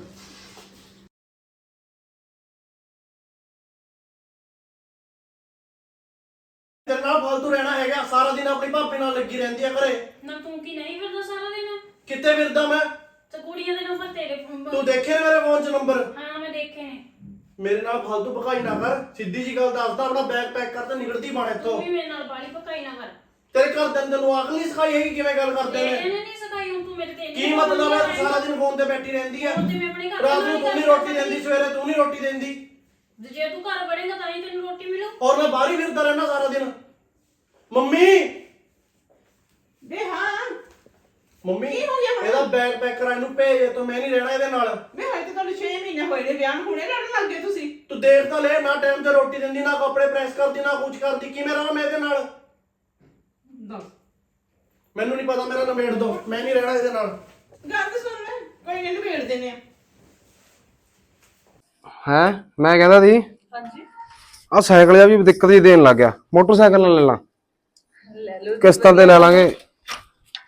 [SPEAKER 8] ਤੇਰੇ ਨਾਲ ਫालतू ਰਹਿਣਾ ਹੈਗਾ। ਸਾਰਾ ਦਿਨ ਆਪਣੀ ਭਾਪੇ ਨਾਲ ਲੱਗੀ ਰਹਿੰਦੀ ਆ ਘਰੇ।
[SPEAKER 9] ਨਾ ਤੂੰ ਕੀ ਨਹੀਂ ਫਿਰਦਾ ਸਾਰਾ ਦਿਨ?
[SPEAKER 8] ਕਿੱਥੇ ਫਿਰਦਾ ਮੈਂ?
[SPEAKER 9] ਤੇ ਕੁੜੀਆਂ ਦੇ ਨੰਬਰ ਤੇਰੇ ਫੋਨ
[SPEAKER 8] ਤੂੰ ਦੇਖੇ ਨੇ ਮੇਰੇ ਫੋਨ 'ਚ ਨੰਬਰ?
[SPEAKER 9] ਹਾਂ ਮੈਂ ਦੇਖੇ ਨੇ।
[SPEAKER 8] ਮੇਰੇ ਨਾਲ ਫालतू ਭਕਾਈ ਨਾ ਕਰ। ਸਿੱਧੀ ਜੀ ਗੱਲ ਦੱਸਦਾ, ਆਪਣਾ ਬੈਗ ਪੈਕ ਕਰ ਤੇ ਨਿਕਲਦੀ ਬਣ
[SPEAKER 9] ਤੂੰ
[SPEAKER 8] ਇੱਥੋਂ।
[SPEAKER 9] ਵੀ ਮੇਰੇ ਨਾਲ ਬਾਲੀ ਪਕਾਈ ਨਾ ਕਰ।
[SPEAKER 8] ਤੇਰੇ ਘਰ ਦੇ ਅੰਦਰ ਨੂੰ ਅਕਲ ਨਹੀਂ ਸਿਖਾਈ ਹੈਗੀ ਕਿਵੇਂ ਗੱਲ ਕਰਦੇ
[SPEAKER 9] ਇਹਨੇ
[SPEAKER 8] ਨੇ।
[SPEAKER 9] ਨਹੀਂ ਸਿਖਾਈ। ਹੁਣ ਤੂੰ ਮੇਰੇ ਤੇ
[SPEAKER 8] ਕੀ ਮਤਲਬ ਹੈ? ਸਾਰਾ ਦਿਨ ਫੋਨ ਤੇ ਬੈਠੀ ਰਹਿੰਦੀ ਆ।
[SPEAKER 9] ਹੁਣ ਤੇ ਮੈਂ ਆਪਣੇ ਘਰ
[SPEAKER 8] ਰਾਤ
[SPEAKER 9] ਨਾਲ
[SPEAKER 8] ਨੂੰ
[SPEAKER 9] ਹੀ
[SPEAKER 8] ਤੂੰ ਨਹੀਂ
[SPEAKER 9] ਗੱਲ
[SPEAKER 8] ਰੋਟੀ ਦਿੰਦੀ, ਸਵੇਰੇ ਤੂੰ ਨਹੀਂ ਰੋਟੀ ਦਿੰਦੀ।
[SPEAKER 9] ਜੇ ਤੂੰ ਘਰ ਵੜੇਗਾ ਤਾਂ ਹੀ ਤੈਨੂੰ ਰੋਟੀ ਮਿਲੂ।
[SPEAKER 8] ਔਰ ਮੈਂ ਬਾਹਰ ਹੀ ਫਿਰਦਾ ਰਹਿਣਾ ਸਾਰਾ ਦਿਨ। ਮੰਮੀ
[SPEAKER 6] ਵੇ ਹਾਂ
[SPEAKER 8] ਮੰਮੀ
[SPEAKER 6] ਕੀ ਹੋ ਗਿਆ ਹੁਣ?
[SPEAKER 8] ਇਹਦਾ ਬੈਗ ਪੈਕ ਕਰਾ, ਇਹਨੂੰ ਭੇਜ। ਤੂੰ ਮੈਂ ਨਹੀਂ ਰਹਿਣਾ ਇਹਦੇ ਨਾਲ।
[SPEAKER 6] ਵੇ ਹਜੇ ਤਾਂ ਤੁਹਾਨੂੰ ਛੇ ਮਹੀਨੇ ਹੋਏ ਨੇ ਵਿਆਹ ਨੂੰ, ਹੁਣੇ ਲੜਨ ਲੱਗ ਗਏ ਤੁਸੀਂ।
[SPEAKER 8] ਤੂੰ ਦੇਖ ਤਾਂ ਲੈ, ਨਾ ਟਾਈਮ ਤੇ ਰੋਟੀ ਦਿੰਦੀ, ਨਾ ਕੱਪੜੇ ਪ੍ਰੈਸ ਕਰਦੀ, ਨਾ ਕੁਝ ਕਰਦੀ। ਕਿਵੇਂ ਰਹਾਂ ਮੈਂ ਇਹਦੇ ਨਾਲ?
[SPEAKER 6] ਦੱਸ
[SPEAKER 8] ਮੈਨੂੰ ਨਹੀਂ ਪਤਾ, ਮੇਰਾ ਨਿਬੇੜ ਦੋ। ਮੈਂ ਨਹੀਂ ਰਹਿਣਾ ਇਹਦੇ ਨਾਲ।
[SPEAKER 6] ਗੱਲ ਤਾਂ ਸੁਣ ਲੈ, ਕੋਈ ਨਹੀਂ ਨਿਬੇੜ ਦਿੰਦੇ ਆ।
[SPEAKER 1] ਹੈ ਮੈਂ ਕਹਿੰਦਾ ਸੀ
[SPEAKER 6] ਹਾਂਜੀ
[SPEAKER 1] ਆ ਸਾਈਕਲ ਜਿਹਾ ਵੀ ਦਿੱਕਤ ਹੀ ਦੇਣ ਲੱਗ ਗਿਆ। ਮੋਟਰਸਾਈਕਲ ਨਾਲ ਲੈ ਲਾਂ,
[SPEAKER 3] ਲੈ ਲਓ।
[SPEAKER 1] ਕਿਸ਼ਤਾਂ ਤੇ ਲੈ ਲਾਂਗੇ।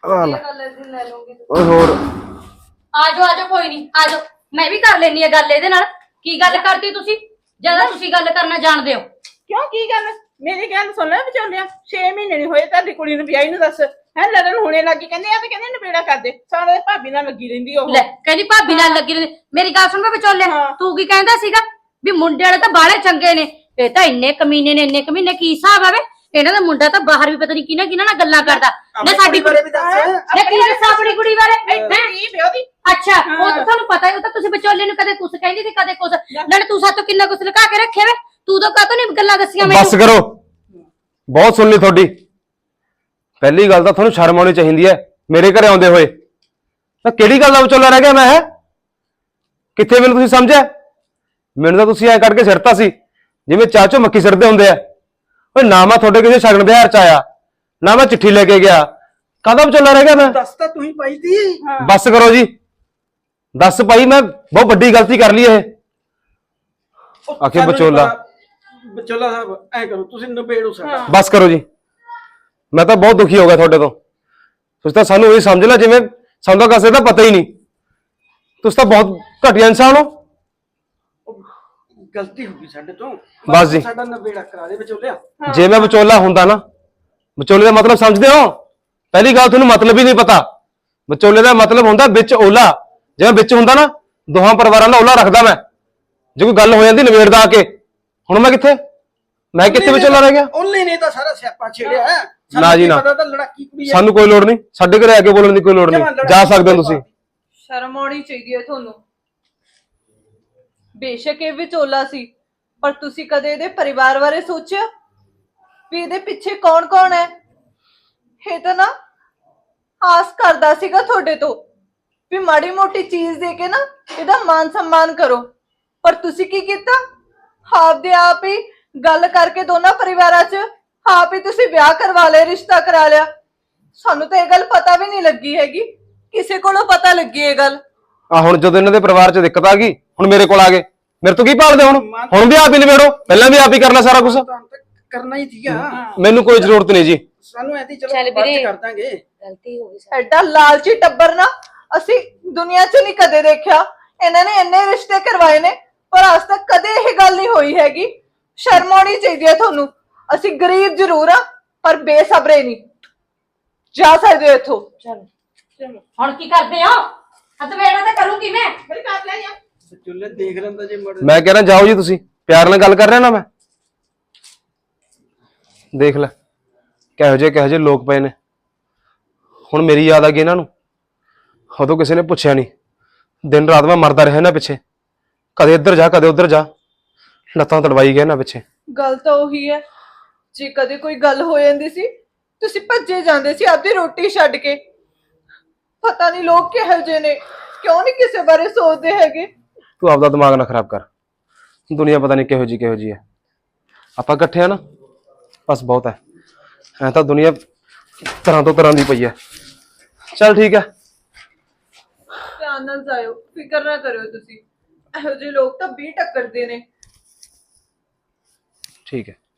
[SPEAKER 1] ਆ ਲੈ
[SPEAKER 3] ਗੱਲ ਇਸ ਦਿਨ ਲੈ ਲਓਗੇ
[SPEAKER 1] ਓਏ ਹੋਰ
[SPEAKER 5] ਆਜੋ ਆਜੋ ਕੋਈ ਨਹੀਂ ਆਜੋ ਮੈਂ ਵੀ ਕਰ ਲੈਣੀ ਆ ਗੱਲ ਇਹਦੇ ਨਾਲ ਕੀ ਗੱਲ ਕਰਤੀ ਤੁਸੀਂ ਜਿਆਦਾ ਤੁਸੀਂ ਗੱਲ ਕਰਨਾ ਜਾਣਦੇ ਹੋ
[SPEAKER 6] ਕਿਉਂ ਕੀ ਗੱਲ ਮੇਰੀ ਗੱਲ ਸੁਣ ਲੈ ਵਿਚੋਲਿਆ ਛੇ ਮਹੀਨੇ ਨਹੀਂ ਹੋਏ ਤੁਹਾਡੀ ਕੁੜੀ ਨੂੰ ਵਿਆਹੀ ਨੂੰ ਦੱਸ ਹੈ ਲੜਨ ਹੋਣੇ ਲੱਗੀ ਕਹਿੰਦੇ ਆ ਤੇ ਕਹਿੰਦੇ ਨਪੇੜਾ ਕਰਦੇ ਸਾਰੇ ਭਾਬੀ ਨਾਲ ਲੱਗੀ ਰਹਿੰਦੀ ਉਹ
[SPEAKER 5] ਲੈ ਕਹਿੰਦੀ ਭਾਬੀ ਨਾਲ ਲੱਗੀ ਰਹਿੰਦੀ ਮੇਰੀ ਗੱਲ ਸੁਣ ਮੈਂ ਵਿਚੋਲਿਆ
[SPEAKER 6] ਹਾਂ।
[SPEAKER 5] ਤੂੰ ਕੀ ਕਹਿੰਦਾ ਸੀਗਾ ਵੀ ਮੁੰਡੇ ਵਾਲੇ ਤਾਂ ਬਾਹਲੇ ਚੰਗੇ ਨੇ ਇਹ ਤਾਂ ਇੰਨੇ ਕਮੀਨੇ ਨੇ ਇੰਨੇ ਕਮੀਨੇ ਕੀ ਹਿਸਾਬ ਆਵੇ ਇਹਨਾਂ ਦਾ ਮੁੰਡਾ ਤਾਂ ਬਾਹਰ ਵੀ ਪਤਾ ਨਹੀਂ ਕਿਹਨਾਂ ਕਿਹਨਾਂ ਨਾਲ ਗੱਲਾਂ ਕਰਦਾ ਨਾ ਸਾਡੀ
[SPEAKER 4] ਬਾਰੇ ਵੀ ਦੱਸ
[SPEAKER 5] ਨਾ ਕੀ ਦੱਸਾਂ ਆਪਣੀ ਕੁੜੀ ਬਾਰੇ
[SPEAKER 6] ਇੱਥੇ ਹੀ ਵਿਆਹ ਦੀ
[SPEAKER 5] ਅੱਛਾ ਉਹ ਤਾਂ ਤੁਹਾਨੂੰ ਪਤਾ ਹੀ ਉਹ ਤਾਂ ਤੁਸੀਂ ਵਿਚੋਲੇ ਨੂੰ ਕਦੇ ਕੁਛ ਕਹਿੰਦੀ ਸੀ ਕਦੇ ਕੁਛ ਨਾਲੇ ਤੂੰ ਸਾਤੋਂ ਕਿੰਨਾ ਕੁਛ ਲੁਕਾ ਕੇ ਰੱਖਿਆ ਵੇ ਤੂੰ ਤਾਂ ਕਾਹਤੋਂ ਨਹੀਂ ਗੱਲਾਂ ਦੱਸੀਆਂ
[SPEAKER 1] ਬਸ ਕਰੋ ਬਹੁਤ ਸੁਣ ਲਈ ਤੁਹਾਡੀ ਪਹਿਲੀ ਗੱਲ ਤਾਂ ਤੁਹਾਨੂੰ ਸ਼ਰਮ ਆਉਣੀ ਚਾਹੀਦੀ ਹੈ ਮੇਰੇ ਘਰੇ ਆਉਂਦੇ ਹੋਏ ਤਾਂ ਕਿਹੜੀ ਗੱਲ ਦਾ ਵਿਚੋਲਾ ਰਹਿ ਗਿਆ ਮੈਂ ਹੈ ਕਿੱਥੇ ਮੈਨੂੰ ਤੁਸੀਂ ਸਮਝਿਆ ਮੈਨੂੰ ਤਾਂ ਤੁਸੀਂ ਐ ਕਰਕੇ ਸਿਰਤਾ ਸੀ ਜਿਵੇਂ ਚਾਹ ਚੋਂ ਮੱਕੀ ਸਿਰਦੇ ਹੁੰਦੇ ਆ ਓਏ ਨਾ ਮੈਂ ਤੁਹਾਡੇ ਕਿਸੇ ਸ਼ਗਨ ਦੇ ਹਾਰ ਚ ਆਇਆ ਨਾ ਮੈਂ ਚਿੱਠੀ ਲੈ ਕੇ ਗਿਆ ਕਾਹਦਾ ਵਿਚੋਲਾ ਰਹਿ ਗਿਆ ਮੈਂ
[SPEAKER 4] ਦੱਸ ਤਾਂ ਤੂੰ ਹੀ ਪਾਈ ਤੀ
[SPEAKER 1] ਬਸ ਕਰੋ ਜੀ ਦੱਸ ਭਾਈ ਮੈਂ ਬਹੁਤ ਵੱਡੀ ਗਲਤੀ ਕਰ ਲਈ ਇਹ ਆਖੇ ਵਿਚੋਲਾ
[SPEAKER 4] ਵਿਚੋਲਾ ਸਾਹਿਬ ਐ ਕਰੋ ਤੁਸੀਂ ਨਿਬੇੜੋ ਸਾਡਾ
[SPEAKER 1] ਬਸ ਕਰੋ ਜੀ ਮੈਂ ਤਾਂ ਬਹੁਤ ਦੁਖੀ ਹੋ ਗਿਆ ਤੁਹਾਡੇ ਤੋਂ ਤੁਸੀਂ ਤਾਂ ਸਾਨੂੰ ਇਹ ਸਮਝ ਲੈ ਜਿਵੇਂ ਸਾਨੂੰ ਤਾਂ ਕਿਸੇ ਦਾ ਪਤਾ ਹੀ ਨਹੀਂ ਤੁਸੀਂ ਤਾਂ ਬਹੁਤ ਘਟੀਆ ਇਨਸਾਨ ਹੋ
[SPEAKER 4] ਗਲਤੀ ਹੋ ਗਈ ਸਾਡੇ ਤੋਂ
[SPEAKER 1] ਬਸ ਜੀ।
[SPEAKER 4] ਸਾਡਾ ਨਿਬੇੜਾ ਕਰਾ ਦੇ ਵਿਚੋਲਿਆ
[SPEAKER 1] ਜੇ ਮੈਂ ਵਿਚੋਲਾ ਹੁੰਦਾ ਨਾ ਵਿਚੋਲੇ ਦਾ ਮਤਲਬ ਸਮਝਦੇ ਹੋ ਪਹਿਲੀ ਗੱਲ ਤੁਹਾਨੂੰ ਮਤਲਬ ਹੀ ਨਹੀਂ ਪਤਾ ਵਿਚੋਲੇ ਦਾ ਮਤਲਬ ਹੁੰਦਾ ਵਿੱਚ ਓਲਾ ਜੇ ਮੈਂ ਵਿੱਚ ਹੁੰਦਾ ਨਾ ਦੋਹਾਂ ਪਰਿਵਾਰਾਂ ਦਾ ਓਲਾ ਰੱਖਦਾ ਮੈਂ ਜੇ ਕੋਈ ਗੱਲ ਹੋ ਜਾਂਦੀ ਨਵੇੜਦਾ ਆ ਕੇ ਹੁਣ ਮੈਂ ਕਿੱਥੇ ਮੈਂ ਕਿੱਥੇ ਵਿਚੋਲਾ ਰਹਿ ਗਿਆ
[SPEAKER 4] ਉਹਨੇ ਨੇ ਤਾਂ ਸਾਰਾ ਸਿਆਪਾ ਛੇੜਿਆ ਹੈ। ਸਾਨੂੰ
[SPEAKER 1] ਨਾ ਜੀ
[SPEAKER 4] ਕੀ
[SPEAKER 1] ਨਾ।
[SPEAKER 4] ਪਤਾ ਤਾਂ ਲੜਾਕੀ ਕੁੜੀ ਹੈ
[SPEAKER 1] ਸਾਨੂੰ ਕੋਈ ਲੋੜ ਨਹੀਂ ਸਾਡੇ ਘਰੇ ਆ ਕੇ ਬੋਲਣ ਦੀ ਕੋਈ ਲੋੜ ਨਹੀਂ ਜਾ ਸਕਦੇ ਹੋ ਤੁਸੀਂ
[SPEAKER 3] ਸ਼ਰਮ ਆਉਣੀ ਚਾਹੀਦੀ ਹੈ ਤੁਹਾਨੂੰ ਬੇਸ਼ੱਕ ਇਹ ਵਿਚੋਲਾ ਸੀ ਪਰ ਤੁਸੀਂ ਕਦੇ ਇਹਦੇ ਪਰਿਵਾਰ ਬਾਰੇ ਸੋਚਿਆ ਵੀ ਇਹਦੇ ਪਿੱਛੇ ਕੌਣ ਕੌਣ ਹੈ ਇਹ ਤਾਂ ਨਾ ਆਸ ਕਰਦਾ ਸੀਗਾ ਤੁਹਾਡੇ ਤੋਂ ਵੀ ਮਾੜੀ ਮੋਟੀ ਚੀਜ਼ ਦੇ ਕੇ ਨਾ ਇਹਦਾ ਮਾਨ ਸਨਮਾਨ ਕਰੋ ਪਰ ਤੁਸੀਂ ਕੀ ਕੀਤਾ ਆਪਦੇ ਆਪ ਹੀ ਗੱਲ ਕਰਕੇ ਦੋਨਾਂ ਪਰਿਵਾਰਾਂ 'ਚ ਆਪ ਹੀ ਤੁਸੀਂ ਵਿਆਹ ਕਰਵਾ ਲਿਆ ਰਿਸ਼ਤਾ ਕਰਾ ਲਿਆ ਸਾਨੂੰ ਤਾਂ ਇਹ ਗੱਲ ਪਤਾ ਵੀ ਨਹੀਂ ਲੱਗੀ ਹੈਗੀ ਕਿਸੇ ਕੋਲੋਂ ਪਤਾ ਲੱਗੀ ਇਹ ਗੱਲ
[SPEAKER 1] ਆ ਹੁਣ ਜਦੋਂ ਇਹਨਾਂ ਦੇ ਪਰਿਵਾਰ 'ਚ ਦਿੱਕਤ ਆ ਗਈ ਹੁਣ ਮੇਰੇ ਕੋਲ ਆ ਗਏ ਮੇਰੇ ਤੋਂ ਕੀ ਭਾਲਦੇ ਹੁਣ ਹੁਣ ਵੀ ਆਪ ਹੀ ਨਿਬੇੜੋ ਪਹਿਲਾਂ ਵੀ ਆਪ ਹੀ ਕਰਨਾ ਸਾਰਾ ਕੁਝ
[SPEAKER 4] ਕਰਨਾ ਹੀ ਸੀਗਾ
[SPEAKER 1] ਮੈਨੂੰ ਕੋਈ ਜ਼ਰੂਰਤ ਨਹੀਂ ਜੀ
[SPEAKER 4] ਸਾਨੂੰ ਐਦੀ ਚਲੋ
[SPEAKER 5] ਚੱਲ
[SPEAKER 4] ਬਾਅਦ ਚ
[SPEAKER 5] ਵੀਰੇ।
[SPEAKER 4] ਕਰ ਦਾਂਗੇ
[SPEAKER 5] ਗਲਤੀ ਹੋ ਗਈ
[SPEAKER 3] ਐਡਾ ਲਾਲਚੀ ਟੱਬਰ ਨਾ ਅਸੀਂ ਦੁਨੀਆ 'ਚ ਨਹੀਂ ਕਦੇ ਦੇਖਿਆ ਇਹਨਾਂ ਨੇ ਇੰਨੇ ਰਿਸ਼ਤੇ ਕਰਵਾਏ ਨੇ ਪਰ ਅੱਜ ਤੱਕ ਕਦੇ ਇਹ ਗੱਲ ਨਹੀਂ ਹੋਈ ਹੈਗੀ ਸ਼ਰਮ ਆਉਣੀ ਚਾਹੀਦੀ ਹੈ ਤੁਹਾਨੂੰ ਅਸੀਂ ਗਰੀਬ ਜ਼ਰੂਰ ਆ ਪਰ ਬੇਸਬਰੇ ਨਹੀਂ ਜਾ ਸਕਦੇ ਹੋ ਇੱਥੋਂ
[SPEAKER 5] ਚਲੋ ਹੁਣ ਕੀ ਕਰਦੇ ਹੋ ਹੱਥ ਵੇੜਾ ਤਾਂ ਕਰੂੰਗੀ ਮੈਂ
[SPEAKER 6] ਫਿਰ ਕਰ ਲੈ ਜਾ
[SPEAKER 4] ਚੁੱਲੇ ਦੇਖ ਲੈਂਦਾ ਜੇ ਮੜ
[SPEAKER 1] ਮੈਂ ਕਹਿ ਰਿਹਾ ਜਾਓ ਜੀ ਤੁਸੀਂ ਪਿਆਰ ਨਾਲ ਗੱਲ ਕਰ ਰਿਹਾ ਨਾ ਮੈਂ ਦੇਖ ਲੈ ਕਿਹੋ ਜਿਹੇ ਕਿਹੋ ਜਿਹੇ ਲੋਕ ਪਏ ਨੇ ਹੁਣ ਮੇਰੀ ਯਾਦ ਆ ਗਈ ਇਹਨਾਂ ਨੂੰ ਉਦੋਂ ਕਿਸੇ ਨੇ ਪੁੱਛਿਆ ਨਹੀਂ ਦਿਨ ਰਾਤ ਮੈਂ ਮਰਦਾ ਰਿਹਾ ਇਹਨਾਂ ਪਿੱਛੇ ਕਦੇ ਇੱਧਰ ਜਾ ਕਦੇ ਉੱਧਰ ਜਾ ਲੱਤਾਂ ਤੜਵਾਈ ਗਏ ਇਹਨਾਂ ਪਿੱਛੇ
[SPEAKER 3] ਗੱਲ ਤਾਂ ਉਹੀ ਹੈ ਜੇ ਕਦੇ ਕੋਈ ਗੱਲ ਹੋ ਜਾਂਦੀ ਸੀ ਤੁਸੀਂ ਭੱਜੇ ਜਾਂਦੇ ਸੀ ਆਪਦੀ ਰੋਟੀ ਛੱਡ ਕੇ ਪਤਾ ਨਹੀਂ ਲੋਕ ਕਿਹੋ ਜਿਹੇ ਨੇ ਕਿਉਂ ਨਹੀਂ ਕਿਸੇ ਬਾਰੇ ਸੋਚਦੇ ਹੈਗੇ
[SPEAKER 1] ਤੂੰ ਆਪਦਾ ਦਿਮਾਗ ਨਾ ਖਰਾਬ ਕਰ ਦੁਨੀਆ ਪਤਾ ਨਹੀਂ ਕਿਹੋ ਜੀ ਕਿਹੋ ਜੀ ਹੈ ਆਪਾਂ ਇਕੱਠੇ ਆ ਨਾ ਬਸ ਬਹੁਤ ਹੈ ਐ ਤਾਂ ਦੁਨੀਆ ਤਰ੍ਹਾਂ ਤੋਂ ਤਰ੍ਹਾਂ ਦੀ ਪਈ ਹੈ ਚੱਲ ਠੀਕ ਹੈ
[SPEAKER 3] ਧਿਆਨ ਨਾਲ ਜਾਇਓ ਫਿਕਰ ਨਾ ਕਰਿਓ ਤੁਸੀਂ ਇਹੋ ਜਿਹੇ ਲੋਕ ਤਾਂ ਵੀਹ ਟੱਕਰਦੇ ਨੇ
[SPEAKER 1] ਠੀਕ ਹੈ